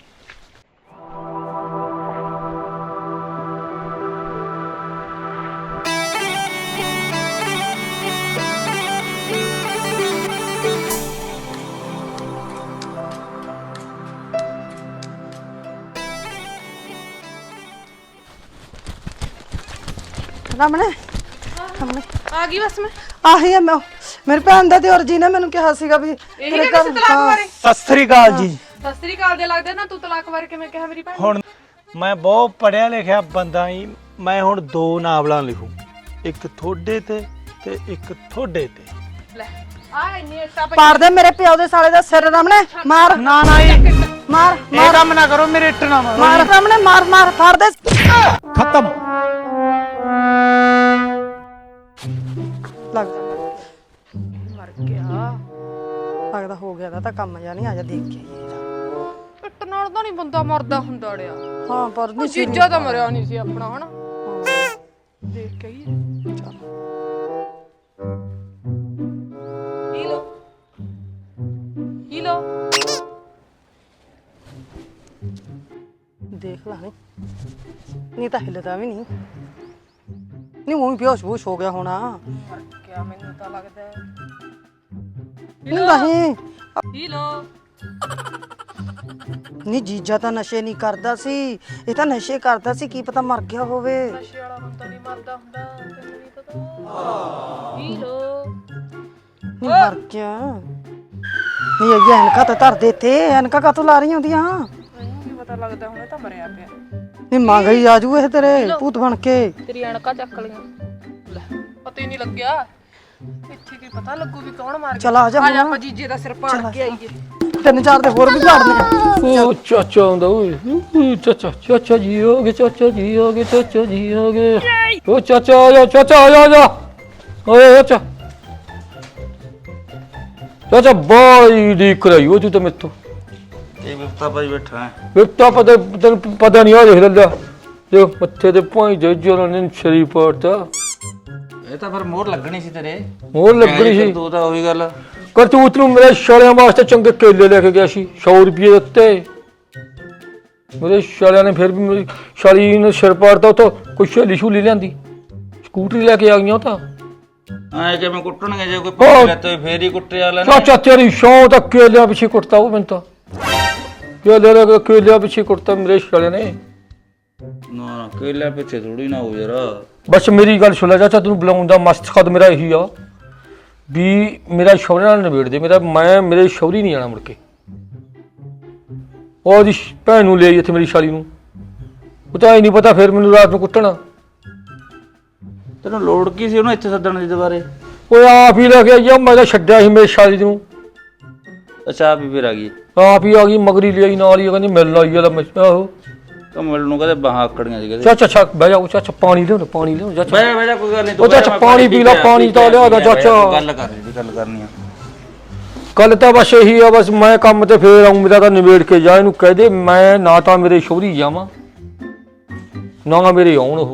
ਰਮਣੇ ਆ ਗਈ ਬਸ ਮੈਂ। ਆਹੀ ਆ ਮੈਂ, ਮੇਰੇ ਭੈਣ ਦਾ ਦਿਓਰ ਜੀ ਨੇ ਮੈਨੂੰ ਕਿਹਾ ਸੀਗਾ ਵੀ ਇਹੀ ਕਹਿੰਦੇ ਸੀ ਤਲਾਕ ਬਾਰੇ। ਸਤਿ ਸ੍ਰੀ ਅਕਾਲ ਜੀ। ਸਤਿ ਸ੍ਰੀ ਅਕਾਲ ਦੇ ਲੱਗਦੇ ਨਾ, ਤੂੰ ਤਲਾਕ ਬਾਰੇ ਕਿਵੇਂ ਕਿਹਾ ਮੇਰੀ ਭੈਣ? ਹੁਣ ਮੈਂ ਬਹੁਤ ਪੜਿਆ ਲਿਖਿਆ ਬੰਦਾ ਹੀ, ਮੈਂ ਹੁਣ 2 ਨਾਵਲਾਂ ਲਿਖੂ, ਇੱਕ ਤੁਹਾਡੇ ਤੇ ਇੱਕ ਤੁਹਾਡੇ ਤੇ। ਲੈ ਆ ਇੰਨੀ ਇੱਟਾਂ ਪਈ। ਪਾੜ ਦੇ ਮੇਰੇ ਪਿਓ ਦੇ ਸਾਲੇ ਦਾ ਸਿਰ ਰਮਣੇ, ਮਾਰ ਨਾ ਨਾ ਜੀ, ਮਾਰ ਇਹ ਕੰਮ ਨਾ ਕਰੋ, ਮੇਰੇ ਇੱਟ ਨਾ ਮਾਰੋ। ਮਾਰ ਰਮਣੇ, ਮਾਰ ਮਾਰ, ਫਾੜ ਦੇ। ਖਤਮ। ਲੱਗ ਮਰ ਗਿਆ। ਲੱਗਦਾ ਹੋ ਗਿਆ ਦਾ ਤਾਂ ਕੰਮ ਜਾਂ ਨਹੀਂ, ਆ ਜਾ ਦੇਖ ਕੇ ਆਈਏ। ਇੱਟ ਨਾਲ ਤਾਂ ਨਹੀਂ ਬੰਦਾ ਮਰਦਾ ਹੁੰਦਾ ਅੜਿਆ। ਹਾਂ ਪਰ ਉਹ ਨਹੀਂ ਜੀਜਾ ਤਾਂ ਮਰਿਆ ਨਹੀਂ ਸੀ ਆਪਣਾ, ਹਨਾ? ਦੇਖ ਕੇ ਹੀ ਹੀਲੋ ਦੇਖ ਲਾ ਨਹੀਂ ਤਾਂ ਹਿੱਲਦਾ ਵੀ ਨਹੀਂ। ਨਹੀਂ ਉਹ ਵੀ ਬੇਹੋਸ਼ ਹੋ ਗਿਆ ਹੋਣਾ। ਮਰ ਗਿਆ ਮੈਨੂੰ ਤਾਂ ਲੱਗਦਾ ਹੈ। ਨਹੀਂ ਨਹੀਂ ਹੀਲੋ ਨਹੀਂ, ਜੀਜਾ ਤਾਂ ਨਸ਼ੇ ਨਹੀਂ ਕਰਦਾ ਸੀ, ਇਹ ਤਾਂ ਨਸ਼ੇ ਕਰਦਾ ਸੀ, ਕੀ ਪਤਾ ਮਰ ਗਿਆ ਹੋਵੇ। ਨਸ਼ੇ ਵਾਲਾ ਬੰਦਾ ਨਹੀਂ ਮਰਦਾ ਹੁੰਦਾ, ਤੈਨੂੰ ਨਹੀਂ ਪਤਾ। ਹੀਲੋ ਨਹੀਂ ਮਰ ਗਿਆ। ਨਹੀਂ ਇਹ ਐਨਕਾਂ ਤਾਂ ਧਰ ਦੇ ਤੇ, ਐਨਕਾਂ ਕਾਤੋਂ ਲਾ ਰਹੀ ਹੁੰਦੀਆਂ? ਮੈਨੂੰ ਵੀ ਪਤਾ ਲੱਗਦਾ ਹੁਣ ਇਹ ਤਾਂ ਮਰਿਆ ਪਿਆ। ਨਹੀਂ ਮੰਗ ਹੀ ਆਜੂ ਇਹ ਤੇਰੇ ਭੂਤ ਬਣ ਕੇ। ਤੇਰੀ ਅਣਕਾ ਚੱਕ ਲਈਆਂ। ਲੈ ਪਤਾ ਹੀ ਨਹੀਂ ਲੱਗਿਆ। ਇੱਥੇ ਕੀ ਪਤਾ ਲੱਗੂ ਵੀ ਕੌਣ ਮਾਰ ਗਿਆ। ਚਲ ਆ ਜਾ ਆ ਜਾ ਹੁਣ। ਆਪਾਂ ਜੀਜੇ ਦਾ ਸਿਰ ਪਾੜ ਕੇ ਆਈਏ। 3-4 ਦੇ ਹੋਰ ਵੀ ਝਾੜਨੇ। ਉਹ ਚਾਚਾ ਆਉਂਦਾ ਓਏ। ਚਾਚਾ ਜੀ ਹੋ ਗਏ, ਚਾਚਾ ਜੀ ਹੋ ਗਏ, ਚਾਚਾ ਜੀ ਹੋ ਗਏ। ਉਹ ਚਾਚਾ ਆ ਜਾ, ਚਾਚਾ ਆ ਜਾ। ਓਏ ਚਾਚਾ, ਚਾਚਾ ਬਾਈ ਦੀ ਕਰਾਈ ਉਹ ਤੂੰ ਤਾਂ ਮੈਥੋਂ। ਇਹ ਵਿਪਤਾ ਭਾਈ ਬੈਠਾ ਹੈ। ਬੇਟਾ ਤੈਨੂੰ ਪਤਾ ਨਹੀਂ ਆ, ਦੇਖ ਲੈ ਜੋ ਮੱਥੇ ਤੇ ਭਾਈ ਦੇ ਜੋਰਾਂ ਨੇ ਸ਼ਰੀਰ ਪਾੜਤਾ। ਇਹ ਤਾਂ ਫਿਰ ਮੋਹਰ ਲੱਗਣੀ ਸੀ ਤੇਰੇ। ਹੋਰ ਲੱਗਣੀ ਸੀ। ਤੂੰ ਤਾਂ ਉਹੀ ਗੱਲ। ਕਰਤੂਤ ਨੂੰ ਮੇਰੇ ਸ਼ਾਲਿਆਂ ਵਾਸਤੇ ਚੰਗੇ ਕੇਲੇ ਲੈ ਕੇ ਗਿਆ ਸੀ, 100 ਰੁਪਏ ਦਿੱਤੇ। ਮੇਰੇ ਸ਼ਾਲਿਆਂ ਨੇ ਫਿਰ ਵੀ ਮੇਰੀ ਸ਼ਾਲੀ ਨੇ ਸਿਰ ਪਾੜਤਾ। ਉੱਥੋਂ ਕੋਈ ਸਹੇਲੀ ਛੂਲੀ ਲਿਆਂਦੀ, ਸਕੂਟਰੀ ਲੈ ਕੇ ਆ ਗਈਆਂ ਉਹ ਤਾਂ। ਐ ਕਿਵੇਂ ਕੁੱਟਣਗੇ? ਜੇ ਕੋਈ ਪੱਕੇ ਲੈਤੇ ਫੇਰ ਹੀ ਕੁੱਟੇ ਵਾਲਾ ਨਾ। ਚਾਚਾ ਤੇਰੀ ਸ਼ੌਂ ਤਾਂ ਕੇਲਿਆਂ ਪਿੱਛੇ ਕੁੱਟਤਾ ਉਹ ਮੈਨੂੰ ਤਾਂ। ਕੇਲੇ ਲੈ ਕੇ ਕੇਲਿਆਂ ਪਿੱਛੇ ਕੁੱਟਤਾ ਮੇਰੇ ਸ਼ਾਲਿਆਂ ਨੇ। ਨਾ ਕੇਲੇ ਪਿੱਛੇ ਥੋੜੀ ਨਾ ਹੋ ਯਾਰ। ਬਸ ਮੇਰੀ ਗੱਲ ਸੁਣ ਲੈ ਚਾਚਾ, ਤੈਨੂੰ ਬੁਲਾਉਣ ਦਾ ਮਕਸਦ ਮੇਰਾ ਇਹੀ ਆ ਵੀ ਮੇਰਾ ਸ਼ੌਹਰੇ ਨਾਲ ਨਿਬੇੜ ਦੇ। ਮੈਂ ਮੇਰੇ ਸ਼ੌਹਰੀ ਨਹੀਂ ਜਾਣਾ ਮੁੜ ਕੇ। ਉਹਦੀ ਭੈਣ ਨੂੰ ਲੈ ਇੱਥੇ ਮੇਰੀ ਸ਼ਾਲੀ ਨੂੰ, ਉਹ ਤਾਂ ਹੀ ਨਹੀਂ ਪਤਾ ਫਿਰ ਮੈਨੂੰ ਰਾਤ ਨੂੰ ਕੁੱਟਣਾ। ਤੈਨੂੰ ਲੋੜ ਕੀ ਸੀ ਉਹਨੂੰ ਇੱਥੇ ਸੱਦਣ ਦੀ ਦੁਬਾਰੇ? ਉਹ ਆਪ ਹੀ ਲੈ ਕੇ ਆਈ ਆ, ਮੈਂ ਤਾਂ ਛੱਡਿਆ ਸੀ ਮੇਰੀ ਸ਼ਾਲੀ ਨੂੰ। ਅੱਛਾ ਵੀ ਫਿਰ ਆ ਗਈ। ਆਪ ਹੀ ਆ ਗਈ, ਮਗਰੀ ਲਈ ਨਾਲ ਹੀ ਕਹਿੰਦੀ ਮਿਲਣ ਆਈ ਆ। ਆਹੋ ਕਮਲ ਨੂੰ ਕਹਦੇ ਬਾਹਾਂ ਆਕੜੀਆਂ ਸੀ ਕਹਦੇ। ਚਾਚਾ ਅੱਛਾ ਬਹਿ ਜਾ ਚਾਚਾ, ਪਾਣੀ ਲਿਆਉਣਾ, ਪਾਣੀ ਲਿਆਉਣਾ ਚਾਚਾ। ਬਹਿ ਜਾ ਕੋਈ ਗੱਲ ਨਹੀਂ। ਉਹ ਚਾਚਾ ਪਾਣੀ ਪੀ ਲਾ, ਪਾਣੀ ਤਾਂ ਲਿਆ ਦਾ ਚਾਚਾ। ਗੱਲ ਕਰਨੀ ਆ। ਗੱਲ ਤਾਂ ਬਸ ਇਹੀ ਆ, ਬਸ ਮੈਂ ਕੰਮ ਤੇ ਫੇਰ ਆਉਂ, ਮੇਰਾ ਤਾਂ ਨਿਬੇੜ ਕੇ ਜਾ। ਇਹਨੂੰ ਕਹਿ ਦੇ ਮੈਂ ਨਾ ਤਾਂ ਮੇਰੇ ਸ਼ੌਹਰੀ ਜਾਵਾਂ ਨਾ ਮੇਰੇ ਆਉਣ ਉਹ।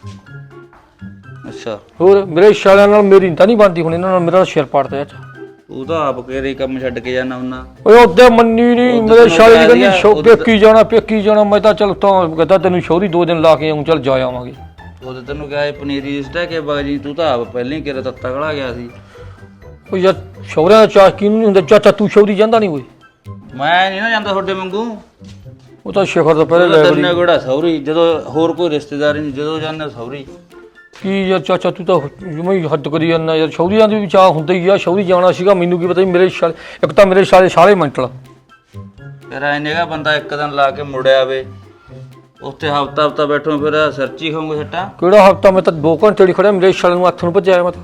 ਅੱਛਾ ਹੋਰ ਮੇਰੇ ਸ਼ਾਲਿਆਂ ਨਾਲ ਮੇਰੀ ਤਾਂ ਨਹੀਂ ਬਣਦੀ, ਹੁਣ ਇਹਨਾਂ ਨਾਲ ਮੇਰਾ ਸਿਰ ਪਾੜਦਾ ਚਾਚਾ। ਤੂੰ ਤਾਂ ਆਪ ਕਿਹੜੇ ਕੰਮ ਛੱਡ ਕੇ ਜਾਣਾ ਹੁੰਨਾ। ਓਏ ਉਹਦੇ ਮੰਨੀ ਨਹੀਂ, ਮੇਰੇ ਸ਼ਾਲੇ ਦੀ ਕਹਿੰਦੀ ਪੇਕੀ ਜਾਣਾ। ਮੈਂ ਤਾਂ ਚਲ ਤਾਂ ਕਹਿੰਦਾ ਤੈਨੂੰ ਸ਼ੌਹਰੀ 2 ਦਿਨ ਲਾ ਕੇ ਆਉਂ, ਚੱਲ ਜਾ ਆਵਾਂਗੇ। ਉਹ ਤੇ ਤੈਨੂੰ ਕਿਹਾ ਪਨੀਰੀ ਰਿਸ਼ਤਾ ਕੇ ਬਾਜੀ, ਤੂੰ ਤਾਂ ਆਪ ਪਹਿਲਾਂ ਹੀ ਕਿਹੜਾ ਤੱਤਾ ਖੜਾ ਗਿਆ ਸੀ। ਉਹ ਯਾਰ ਸ਼ੌਹਰਿਆਂ ਦਾ ਚਾਹ ਕਿਹਨੂੰ ਨਹੀਂ ਹੁੰਦਾ ਚਾਚਾ, ਤੂੰ ਸ਼ੌਹਰੀ ਜਾਂਦਾ ਨਹੀਂ ਓਏ। ਮੈਂ ਨਹੀਂ ਨਾ ਜਾਂਦਾ ਤੁਹਾਡੇ ਵਾਂਗੂ। ਉਹ ਤਾਂ ਸ਼ਿਖਰ ਤੋਂ ਪਹਿਲੇ ਲੈ ਤੈਨੂੰ ਕਿਹੜਾ ਸੌਰੀ, ਜਦੋਂ ਹੋਰ ਕੋਈ ਰਿਸ਼ਤੇਦਾਰ ਨਹੀਂ, ਜਦੋਂ ਜਾਂਦੇ ਸੌਰੀ। ਕੀ ਯਾਰ ਚਾਚਾ ਤੂੰ ਤਾਂ ਜਿਵੇਂ ਹੀ ਹੱਦ ਕਰੀ ਜਾਂਦਾ ਯਾਰ, ਸ਼ੌਰੀਆਂ ਦੀ ਵੀ ਚਾਹ ਹੁੰਦਾ ਹੀ ਆ, ਸ਼ੌਰੀ ਜਾਣਾ ਸੀਗਾ, ਮੈਨੂੰ ਕੀ ਪਤਾ ਸੀ ਮੇਰੇ ਸਾਲੇ, ਇੱਕ ਤਾਂ ਮੇਰੇ ਸਾਲੇ ਮੈਂਟਲ। ਫਿਰ ਐ ਨੇਗਾ ਬੰਦਾ ਇੱਕ ਦਿਨ ਲਾ ਕੇ ਮੁੜਿਆ ਵੇ, ਉੱਥੇ ਹਫਤਾ ਬੈਠੋ ਫਿਰ ਸਰਚੀ ਖਾਉਂਗੇ ਸੱਟਾਂ। ਕਿਹੜਾ ਹਫਤਾ, ਮੈਂ ਤਾਂ 2 ਘੰਟੇ ਹੀ ਖੜਿਆ, ਮੇਰੇ ਸਾਲੇ ਨੂੰ ਹੱਥ ਨੂੰ ਭੱਜਿਆ ਮੈਂ ਤਾਂ।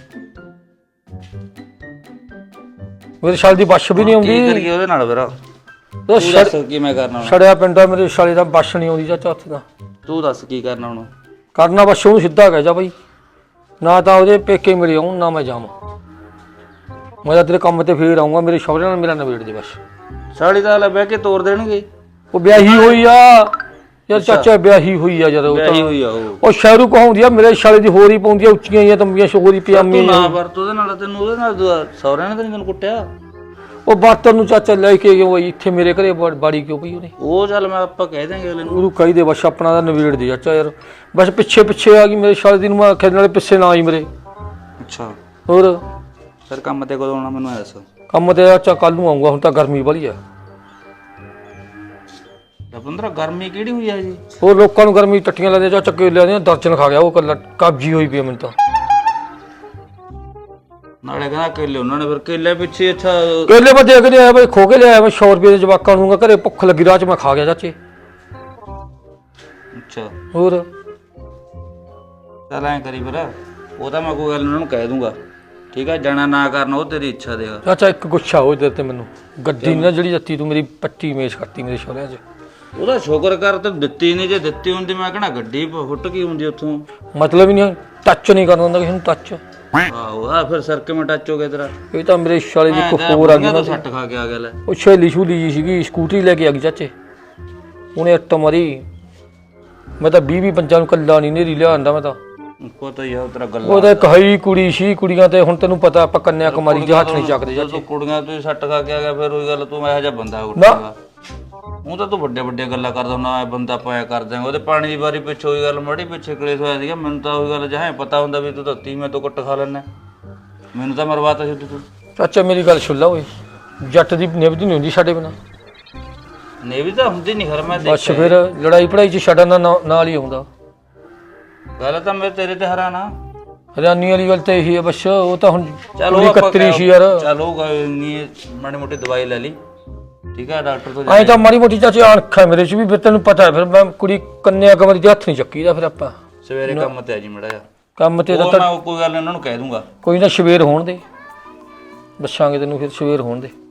ਮੇਰੇ ਸਾਲੇ ਦੀ ਬੱਸ ਵੀ ਨਹੀਂ ਕੀ ਆਉਂਦੀ, ਕਰੀਏ ਉਹਦੇ ਨਾਲ ਫਿਰ? ਉਹ ਤੂੰ ਦੱਸ ਕੀ ਮੈਂ ਕਰਨਾ ਹੁਣ? ਛੜਿਆ ਪਿੰਡਾ ਮੇਰੇ ਸਾਲੇ ਦਾ ਬੱਸ ਨਹੀਂ ਆਉਂਦੀ ਚਾਚਾ ਹੱਥ ਦਾ। ਤੂੰ ਦੱਸ ਕੀ ਕਰਨਾ ਹੁਣ? ਕਰਨਾ ਬਸ ਉਹਨੂੰ ਸਿੱਧਾ ਕਹਿ ਜਾ ਬਈ, ਨਾ ਤਾਂ ਉਹਦੇ ਪੇਕੇ ਮੇਰੇ ਆਉਣ ਨਾ ਮੈਂ ਜਾਵਾਂ, ਮੈਂ ਤਾਂ ਤੇਰੇ ਕੰਮ ਤੇ ਫੇਰ ਆਊਂਗਾ, ਮੇਰੇ ਸ਼ੌਹਰੇ ਨਾਲ ਮੇਰਾ ਨਵੇੜ ਦੇ ਬਸ। ਸਾਲੀ ਤਾਂ ਲੈ ਬਹਿ ਕੇ ਤੋਰ ਦੇਣਗੇ। ਉਹ ਵਿਆਹੀ ਹੋਈ ਆ ਯਾਰ ਚਾਚਾ, ਵਿਆਹੀ ਹੋਈ ਆ ਜਦੋਂ ਵਿਆਹੀ ਹੋਈ ਆ ਉਹ। ਉਹ ਸ਼ਹਿਰੂ ਕਹਾਉਂਦੀ ਆ, ਮੇਰੇ ਸਾਲੇ ਦੀ ਹੋਰ ਹੀ ਪਾਉਂਦੀ ਆ, ਉੱਚੀਆਂ ਹੀ ਤੰਬੀਆਂ, ਸ਼ੋਰੀ ਪਜਾਮੀ। ਤੂੰ ਨਾ ਵਰਤ ਉਹਦੇ ਨਾਲ, ਤੈਨੂੰ ਉਹਦੇ ਨਾਲ ਸਹੁਰਿਆਂ ਨੇ ਤਾਂ ਨੀ ਤੈਨੂੰ ਕੁੱਟਿਆ? ਉਹ ਬਾਤਰ ਨੂੰ ਚਾਚਾ ਲੈ ਕੇ ਕਿਉਂ ਆਈ ਇੱਥੇ ਮੇਰੇ ਘਰੇ, ਬਾੜੀ ਕਿਉਂ ਪਈ ਉਹਨੇ? ਉਹ ਚੱਲ ਮੈਂ ਆਪਾਂ ਕਹਿ ਦਾਂਗੇ ਅਗਲੇ ਨੂੰ। ਉਹਨੂੰ ਕਹੀ ਦੇ ਬਸ, ਆਪਣਾ ਦਾ ਨਵੇੜ ਦੇ ਚਾਚਾ ਯਾਰ, ਬਸ ਪਿੱਛੇ ਆ ਗਈ ਮੇਰੇ ਸਾਲੇ ਦੀ ਨੂੰ, ਮੈਂ ਆਖਿਆ ਨਾਲੇ ਪਿੱਛੇ ਨਾ ਆਈ ਮੇਰੇ। ਅੱਛਾ ਹੋਰ ਫਿਰ ਕੰਮ ਤੇ ਕਦੋਂ ਆਉਣਾ ਮੈਨੂੰ ਐ ਦੱਸ। ਕੰਮ ਤੇ ਚਾਚਾ ਕੱਲ ਨੂੰ ਆਊਂਗਾ, ਹੁਣ ਤਾਂ ਗਰਮੀ ਵਾਲੀ ਆ। ਰਵਿੰਦਰ ਗਰਮੀ ਕਿਹੜੀ ਹੋਈ ਆ ਜੀ? ਹੋਰ ਲੋਕਾਂ ਨੂੰ ਗਰਮੀ ਟੱਟੀਆਂ ਲੱਗਦੀਆਂ ਚਾਚਾ, ਕੇਲਿਆਂ ਦੀਆਂ ਦਰਜਨ ਖਾ ਗਿਆ ਉਹ ਕੱਲਾ, ਕਬਜੀ ਹੋਈ ਪਈ ਆ ਮੈਨੂੰ ਤਾਂ। ਨਾਲੇ ਕਹਿੰਦਾ ਕੇਲੇ ਉਹਨਾਂ ਨੇ, ਫਿਰ ਕੇਲੇ ਪਿੱਛੇ ਅੱਛਾ ਕੇਲੇ ਮੈਂ ਦੇਖ ਲਿਆ ਬਈ, ਖੋ ਕੇ ਲਿਆਇਆ ਮੈਂ 100 ਰੁਪਏ ਦੇ ਜਵਾਕਾਂ ਨੂੰ, ਘਰੇ ਭੁੱਖ ਲੱਗੀ ਰਾਹ ਚ ਮੈਂ ਖਾ ਗਿਆ ਚਾਚੇ। ਅੱਛਾ ਹੋਰ ਚੱਲ ਐਂ ਕਰੀ ਫਿਰ, ਉਹ ਤਾਂ ਮੈਂ ਕੋਈ ਗੱਲ ਨੀ, ਉਹਨਾਂ ਨੂੰ ਕਹਿ ਦੂੰਗਾ ਠੀਕ ਆ, ਜਾਣਾ ਨਾ ਕਰਨਾ ਉਹ ਤੇਰੀ ਇੱਛਾ ਦੇ। ਚਾਚਾ ਇੱਕ ਗੁੱਛਾ ਹੋ ਤੇ ਮੈਨੂੰ ਗੱਡੀ ਨਾ ਜਿਹੜੀ ਦਿੱਤੀ ਤੂੰ, ਮੇਰੀ ਪੱਟੀ ਮੇਜ਼ ਕਰਤੀ ਮੇਰੇ ਸ਼ੋਰਿਆਂ 'ਚ। ਉਹਦਾ ਸ਼ੁਕਰ ਕਰ ਤੇ ਦਿੱਤੀ ਨਹੀਂ, ਜੇ ਦਿੱਤੀ ਹੁੰਦੀ ਮੈਂ ਕਹਿਣਾ ਗੱਡੀ ਫੁੱਟ ਗਈ ਹੁੰਦੀ ਉੱਥੋਂ। ਮਤਲਬ ਹੀ ਨਹੀਂ, ਟੱਚ ਨਹੀਂ ਕਰਨ ਦਿੰਦਾ ਕਿਸੇ ਨੂੰ, ਟੱਚ। ਆਹੋ ਆ ਫਿਰ ਸਰ ਕਿਵੇਂ ਟੱਚ ਹੋ ਗਿਆ ਤੇਰਾ? ਇਹ ਤਾਂ ਮੇਰੇ ਸਾਲੇ ਦੀ ਇੱਕ ਹੋਰ ਆ ਗਈ ਨਾ, ਸੱਟ ਖਾ ਕੇ ਆ ਗਿਆ ਲੈ। ਉਹ ਛੇਲੀ ਛੂਲੀ ਜੀ ਸੀਗੀ, ਸਕੂਟਰੀ ਲੈ ਕੇ ਆ ਗਈ ਚਾਚੇ, ਉਹਨੇ ਇੱਟ ਮਾਰੀ। ਮੈਂ ਤਾਂ 20-25 ਨੂੰ ਕੱਲਾ ਨਹੀਂ ਨੇਰੀ ਲਿਆਂਦਾ ਮੈਂ ਤਾਂ। ਪਤਾ ਹੀ ਆ ਤੇਰਾ ਗੱਲ। ਉਹ ਤਾਂ ਇੱਕ ਹੀ ਕੁੜੀ ਸੀ, ਕੁੜੀਆਂ ਤੇ ਹੁਣ ਤੈਨੂੰ ਪਤਾ ਆਪਾਂ ਕੰਨਿਆ ਕੁਮਾਰੀ ਦੇ ਹੱਥ ਨਹੀਂ ਚੱਕਦੇ ਚਾਚੇ। ਤੂੰ ਕੁੜੀਆਂ ਤੂੰ ਸੱਟ ਖਾ ਕੇ ਆ ਗਿਆ, ਫਿਰ ਉਹੀ ਗੱਲ ਤੂੰ ਇਹੋ ਜਿਹਾ ਬੰਦਾ ਨਾ ਉੱਠੇਗਾ। ਉਹ ਤਾਂ ਤੂੰ ਵੱਡੀਆਂ ਗੱਲਾਂ ਕਰਦਾ ਹੁੰਦਾ, ਮੈਂ ਬੰਦਾ ਪਾਇਆ ਕਰ ਦਿਆਂਗਾ। ਉਹਦੇ ਪਾਣੀ ਦੀ ਵਾਰੀ ਪਿੱਛੇ ਉਹੀ ਗੱਲ ਮੜੀ ਪਿੱਛੇ ਕਲੇਸ਼ ਹੋਇਆ ਸੀਗਾ, ਮੈਨੂੰ ਤਾਂ ਉਹੀ ਗੱਲ ਜਹਾਂ ਪਤਾ ਹੁੰਦਾ ਵੀ ਤੂੰ ਧੱਤੀ ਮੈਂ ਤੋਂ ਕੁੱਟ ਖਾ ਲੈਣਾ, ਮੈਨੂੰ ਤਾਂ ਮਰਵਾਤਾ ਸੀ ਤੂੰ। ਚਾਚਾ ਮੇਰੀ ਗੱਲ ਸੁਣ ਲਾ ਓਏ, ਜੱਟ ਦੀ ਨਿਭਦੀ ਨਹੀਂ ਹੁੰਦੀ ਸਾਡੇ ਬਿਨਾਂ। ਨਹੀਂ ਵੀ ਤਾਂ ਹੁੰਦੀ ਨਹੀਂ ਖਰ, ਮੈਂ ਬਸ ਦੇਖਿਆ। ਫਿਰ ਲੜਾਈ ਪੜਾਈ 'ਚ ਛੱਡਣ ਦਾ ਨਾਲ ਹੀ ਆਉਂਦਾ। ਗੱਲ ਤਾਂ ਮੈਂ ਤੇਰੇ ਤੇ ਹੈਰਾਨਾ। ਹਰਿਆਣੀ ਵਾਲੀ ਗੱਲ ਤਾਂ ਇਹੀ ਹੈ ਬਸ, ਉਹ ਤਾਂ ਹੁਣ ਚਲੋ ਕੁੜੀ ਕਤਰੀ ਸੀ ਯਾਰ। ਚਲੋ ਨਹੀਂ ਮਾੜੀ ਮੋਟੀ ਦਵਾਈ ਲੈ ਲਈ ਠੀਕ ਹੈ, ਡਾਕਟਰ ਤੋਂ ਐਂ ਤਾਂ ਮਾੜੀ ਮੋਟੀ ਚਾਚੀ ਅਣਖ ਹੈ ਮੇਰੇ 'ਚ ਵੀ, ਫਿਰ ਤੈਨੂੰ ਪਤਾ ਹੈ, ਫਿਰ ਮੈਂ ਕੁੜੀ ਕੰਨਿਆ ਕੁਮਾਰੀ ਦੇ ਹੱਥ ਨਹੀਂ ਚੱਕੀਦਾ। ਫਿਰ ਆਪਾਂ ਸਵੇਰੇ ਕੰਮ ਤੇ ਆ ਜੀ ਮੜਾ ਜਾ ਕੰਮ ਤੇ ਉਹ ਤਾਂ ਮੈਂ ਕੋਈ ਗੱਲ ਨੀ ਉਹਨਾਂ ਨੂੰ ਕਹਿ ਦੂੰਗਾ। ਕੋਈ ਨਾ, ਸਵੇਰ ਹੋਣ ਦੇ, ਦੱਸਾਂਗੇ ਤੈਨੂੰ ਫਿਰ, ਸਵੇਰ ਹੋਣ ਦੇ।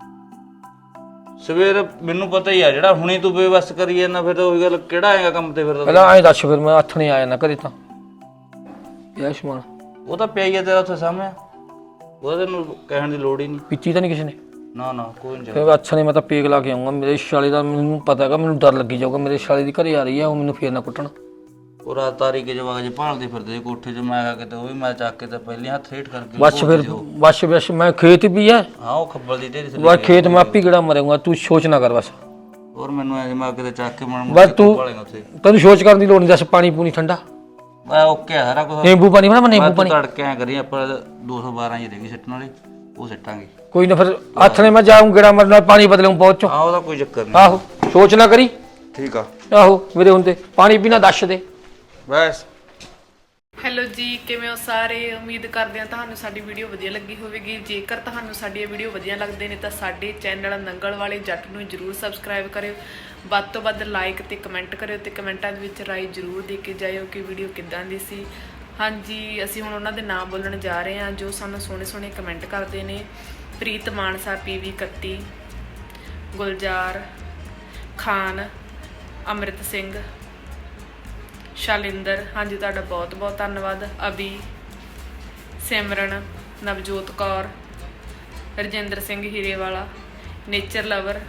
ਸਵੇਰ ਮੈਨੂੰ ਪਤਾ ਹੀ ਆ, ਜਿਹੜਾ ਹੁਣੇ ਤੂੰ ਬੇਵਸ ਕਰੀ ਜਾਂਦਾ ਫਿਰ ਉਹੀ ਗੱਲ, ਕਿਹੜਾ ਆਏਗਾ ਕੰਮ ਤੇ ਫਿਰ? ਪਹਿਲਾਂ ਐਂ ਦੱਸ, ਫਿਰ ਮੈਂ ਹੱਥ ਨਹੀਂ ਆਇਆ ਨਾ ਕਰੇ ਤਾਂ ਇਹ ਸਮਾਨ ਉਹ ਤਾਂ ਪਿਆ ਹੀ ਆ ਤੇਰਾ ਉੱਥੇ ਸਾਹਮਣੇ, ਉਹਦਾ ਤੈਨੂੰ ਕਹਿਣ ਦੀ ਲੋੜ ਹੀ ਨਹੀਂ। ਪੀਤੀ ਤਾਂ ਨਹੀਂ ਕਿਸੇ ਨੇ? ਨਾ ਨਾ ਕੋਈ ਨਹੀਂ। ਫਿਰ ਅੱਛਾ ਨਹੀਂ, ਮੈਂ ਤਾਂ ਪੇਕ ਲਾ ਕੇ ਆਉਂਗਾ। ਮੇਰੇ ਸਾਲੇ ਦਾ ਮੈਨੂੰ ਪਤਾ ਹੈਗਾ, ਮੈਨੂੰ ਡਰ ਲੱਗੀ ਜਾਊਗਾ, ਮੇਰੇ ਸਾਲੇ ਦੀ ਘਰੇ ਆ ਰਹੀ ਆ, ਉਹ ਮੈਨੂੰ ਫੇਰ ਨਾ ਕੁੱਟਣ। ਉਹ ਰਾਤ ਤਾਰੀ ਕੇ ਜਵਾਗ ਜੇ ਭਾਲਦੇ ਫਿਰਦੇ ਕੋਠੇ 'ਚ, ਮੈਂ ਕਿਤੇ ਉਹ ਵੀ ਮੈਂ ਚੱਕ ਕੇ ਤਾਂ ਪਹਿਲੀ ਹੱਥ ਹੇਠ ਕਰਕੇ ਬਸ ਫਿਰ ਬਸ ਮੈਂ ਖੇਤ ਵੀ ਆ, ਹਾਂ ਉਹ ਖੱਬਲ ਦੀ ਢੇਰੀ ਬਸ ਖੇਤ ਮੈਂ ਆਪੀ ਕਿਹੜਾ ਮਰੂੰਗਾ, ਤੂੰ ਸੋਚ ਨਾ ਕਰ ਬਸ। ਹੋਰ ਮੈਨੂੰ ਐ ਮੈਂ ਕਿਤੇ ਚੱਕ ਕੇ ਬਸ ਤੂੰ ਭਾਲੇਗਾ ਉੱਥੇ। ਤੈਨੂੰ ਸੋਚ ਕਰਨ ਦੀ ਲੋੜ ਨਹੀਂ, ਦੱਸ ਪਾਣੀ ਪੂਣੀ ਠੰਡਾ, ਮੈਂ ਓਕੇ ਆ ਸਾਰਾ ਕੁਝ। ਨਿੰਬੂ ਪਾਣੀ ਬਣਾ, ਮੈਂ ਨਿੰਬੂ ਪਾਣੀ। ਤੜਕੇ ਐ ਕਰੀ ਆਪਾਂ 212 ਹੀ ਰਹਿ ਸਿੱਟਣ ਵਾਲੀ, ਉਹ ਸਿੱਟਾਂਗੇ। ਕੋਈ ਨਾ, ਫਿਰ ਹੱਥ ਨੇ ਮੈਂ ਜਾਊਂ ਗੇੜਾ ਮਰਨਾ, ਪਾਣੀ ਬਦਲੂੰ ਪਹੁੰਚੋ। ਹਾਂ ਉਹਦਾ ਕੋਈ ਚੱਕਰ ਨਹੀਂ। ਆਹੋ ਸੋਚ ਨਾ ਕਰੀ। ਠੀਕ ਆ। ਆਹੋ ਮੇਰੇ ਹੁੰਦੇ ਪਾਣੀ ਪੀਣਾ ਦੱਸ ਦੇ ਬਸ। ਹੈਲੋ ਜੀ, ਕਿਵੇਂ ਹੋ ਸਾਰੇ? ਉਮੀਦ ਕਰਦੇ ਹਾਂ ਤੁਹਾਨੂੰ ਸਾਡੀ ਵੀਡੀਓ ਵਧੀਆ ਲੱਗੀ ਹੋਵੇਗੀ। ਜੇਕਰ ਤੁਹਾਨੂੰ ਸਾਡੀਆਂ ਵੀਡੀਓ ਵਧੀਆ ਲੱਗਦੇ ਨੇ ਤਾਂ ਸਾਡੇ ਚੈਨਲ ਨੰਗਲ ਵਾਲੇ ਜੱਟ ਨੂੰ ਜਰੂਰ ਸਬਸਕ੍ਰਾਈਬ ਕਰਿਓ, ਵੱਧ ਤੋਂ ਵੱਧ ਲਾਈਕ ਤੇ ਕਮੈਂਟ ਕਰਿਓ, ਤੇ ਕਮੈਂਟਾਂ ਦੇ ਵਿੱਚ ਰਾਏ ਜਰੂਰ ਦੇ ਕੇ ਜਾਇਓ ਕਿ ਵੀਡੀਓ ਕਿੱਦਾਂ ਦੀ ਸੀ। ਹਾਂਜੀ, ਅਸੀਂ ਹੁਣ ਉਹਨਾਂ ਦੇ ਨਾਮ ਬੋਲਣ ਜਾ ਰਹੇ ਹਾਂ ਜੋ ਸਾਨੂੰ ਸੋਹਣੇ ਸੋਹਣੇ ਕਮੈਂਟ ਕਰਦੇ ਨੇ। ਪ੍ਰੀਤ ਮਾਨਸਾ, PV 31, ਗੁਲਜ਼ਾਰ ਖਾਨ, ਅੰਮ੍ਰਿਤ ਸਿੰਘ, ਸ਼ਾਲਿੰਦਰ, ਹਾਂਜੀ ਤੁਹਾਡਾ ਬਹੁਤ ਬਹੁਤ ਧੰਨਵਾਦ। ਅਭੀ, ਸਿਮਰਨ, ਨਵਜੋਤ ਕੌਰ, ਰਜਿੰਦਰ ਸਿੰਘ ਹੀਰੇਵਾਲਾ, ਨੇਚਰ ਲਵਰ,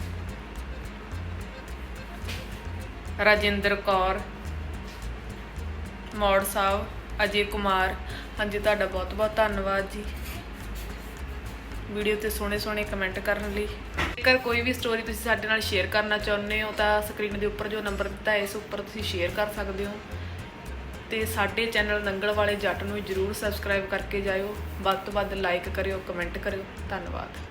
ਰਾਜਿੰਦਰ ਕੌਰ, ਮੌੜ ਸਾਹਿਬ, ਅਜੇ ਕੁਮਾਰ, ਹਾਂਜੀ ਤੁਹਾਡਾ ਬਹੁਤ ਬਹੁਤ ਧੰਨਵਾਦ ਜੀ ਵੀਡੀਓ ਤੇ ਸੋਹਣੇ ਸੋਹਣੇ ਕਮੈਂਟ ਕਰਨ ਲਈ। ਜੇਕਰ ਕੋਈ ਵੀ ਸਟੋਰੀ ਤੁਸੀਂ ਸਾਡੇ ਨਾਲ ਸ਼ੇਅਰ ਕਰਨਾ ਚਾਹੁੰਦੇ ਹੋ ਤਾਂ ਸਕਰੀਨ ਦੇ ਉੱਪਰ ਜੋ ਨੰਬਰ ਦਿੱਤਾ ਹੈ ਇਸ ਉੱਪਰ ਤੁਸੀਂ ਸ਼ੇਅਰ ਕਰ ਸਕਦੇ ਹੋ, ਤੇ ਸਾਡੇ ਚੈਨਲ ਨੰਗਲ ਵਾਲੇ ਜੱਟ ਨੂੰ ਜਰੂਰ ਸਬਸਕ੍ਰਾਈਬ ਕਰਕੇ ਜਾਇਓ, ਵੱਧ ਤੋਂ ਵੱਧ ਲਾਈਕ ਕਰਿਓ, ਕਮੈਂਟ ਕਰਿਓ। ਧੰਨਵਾਦ।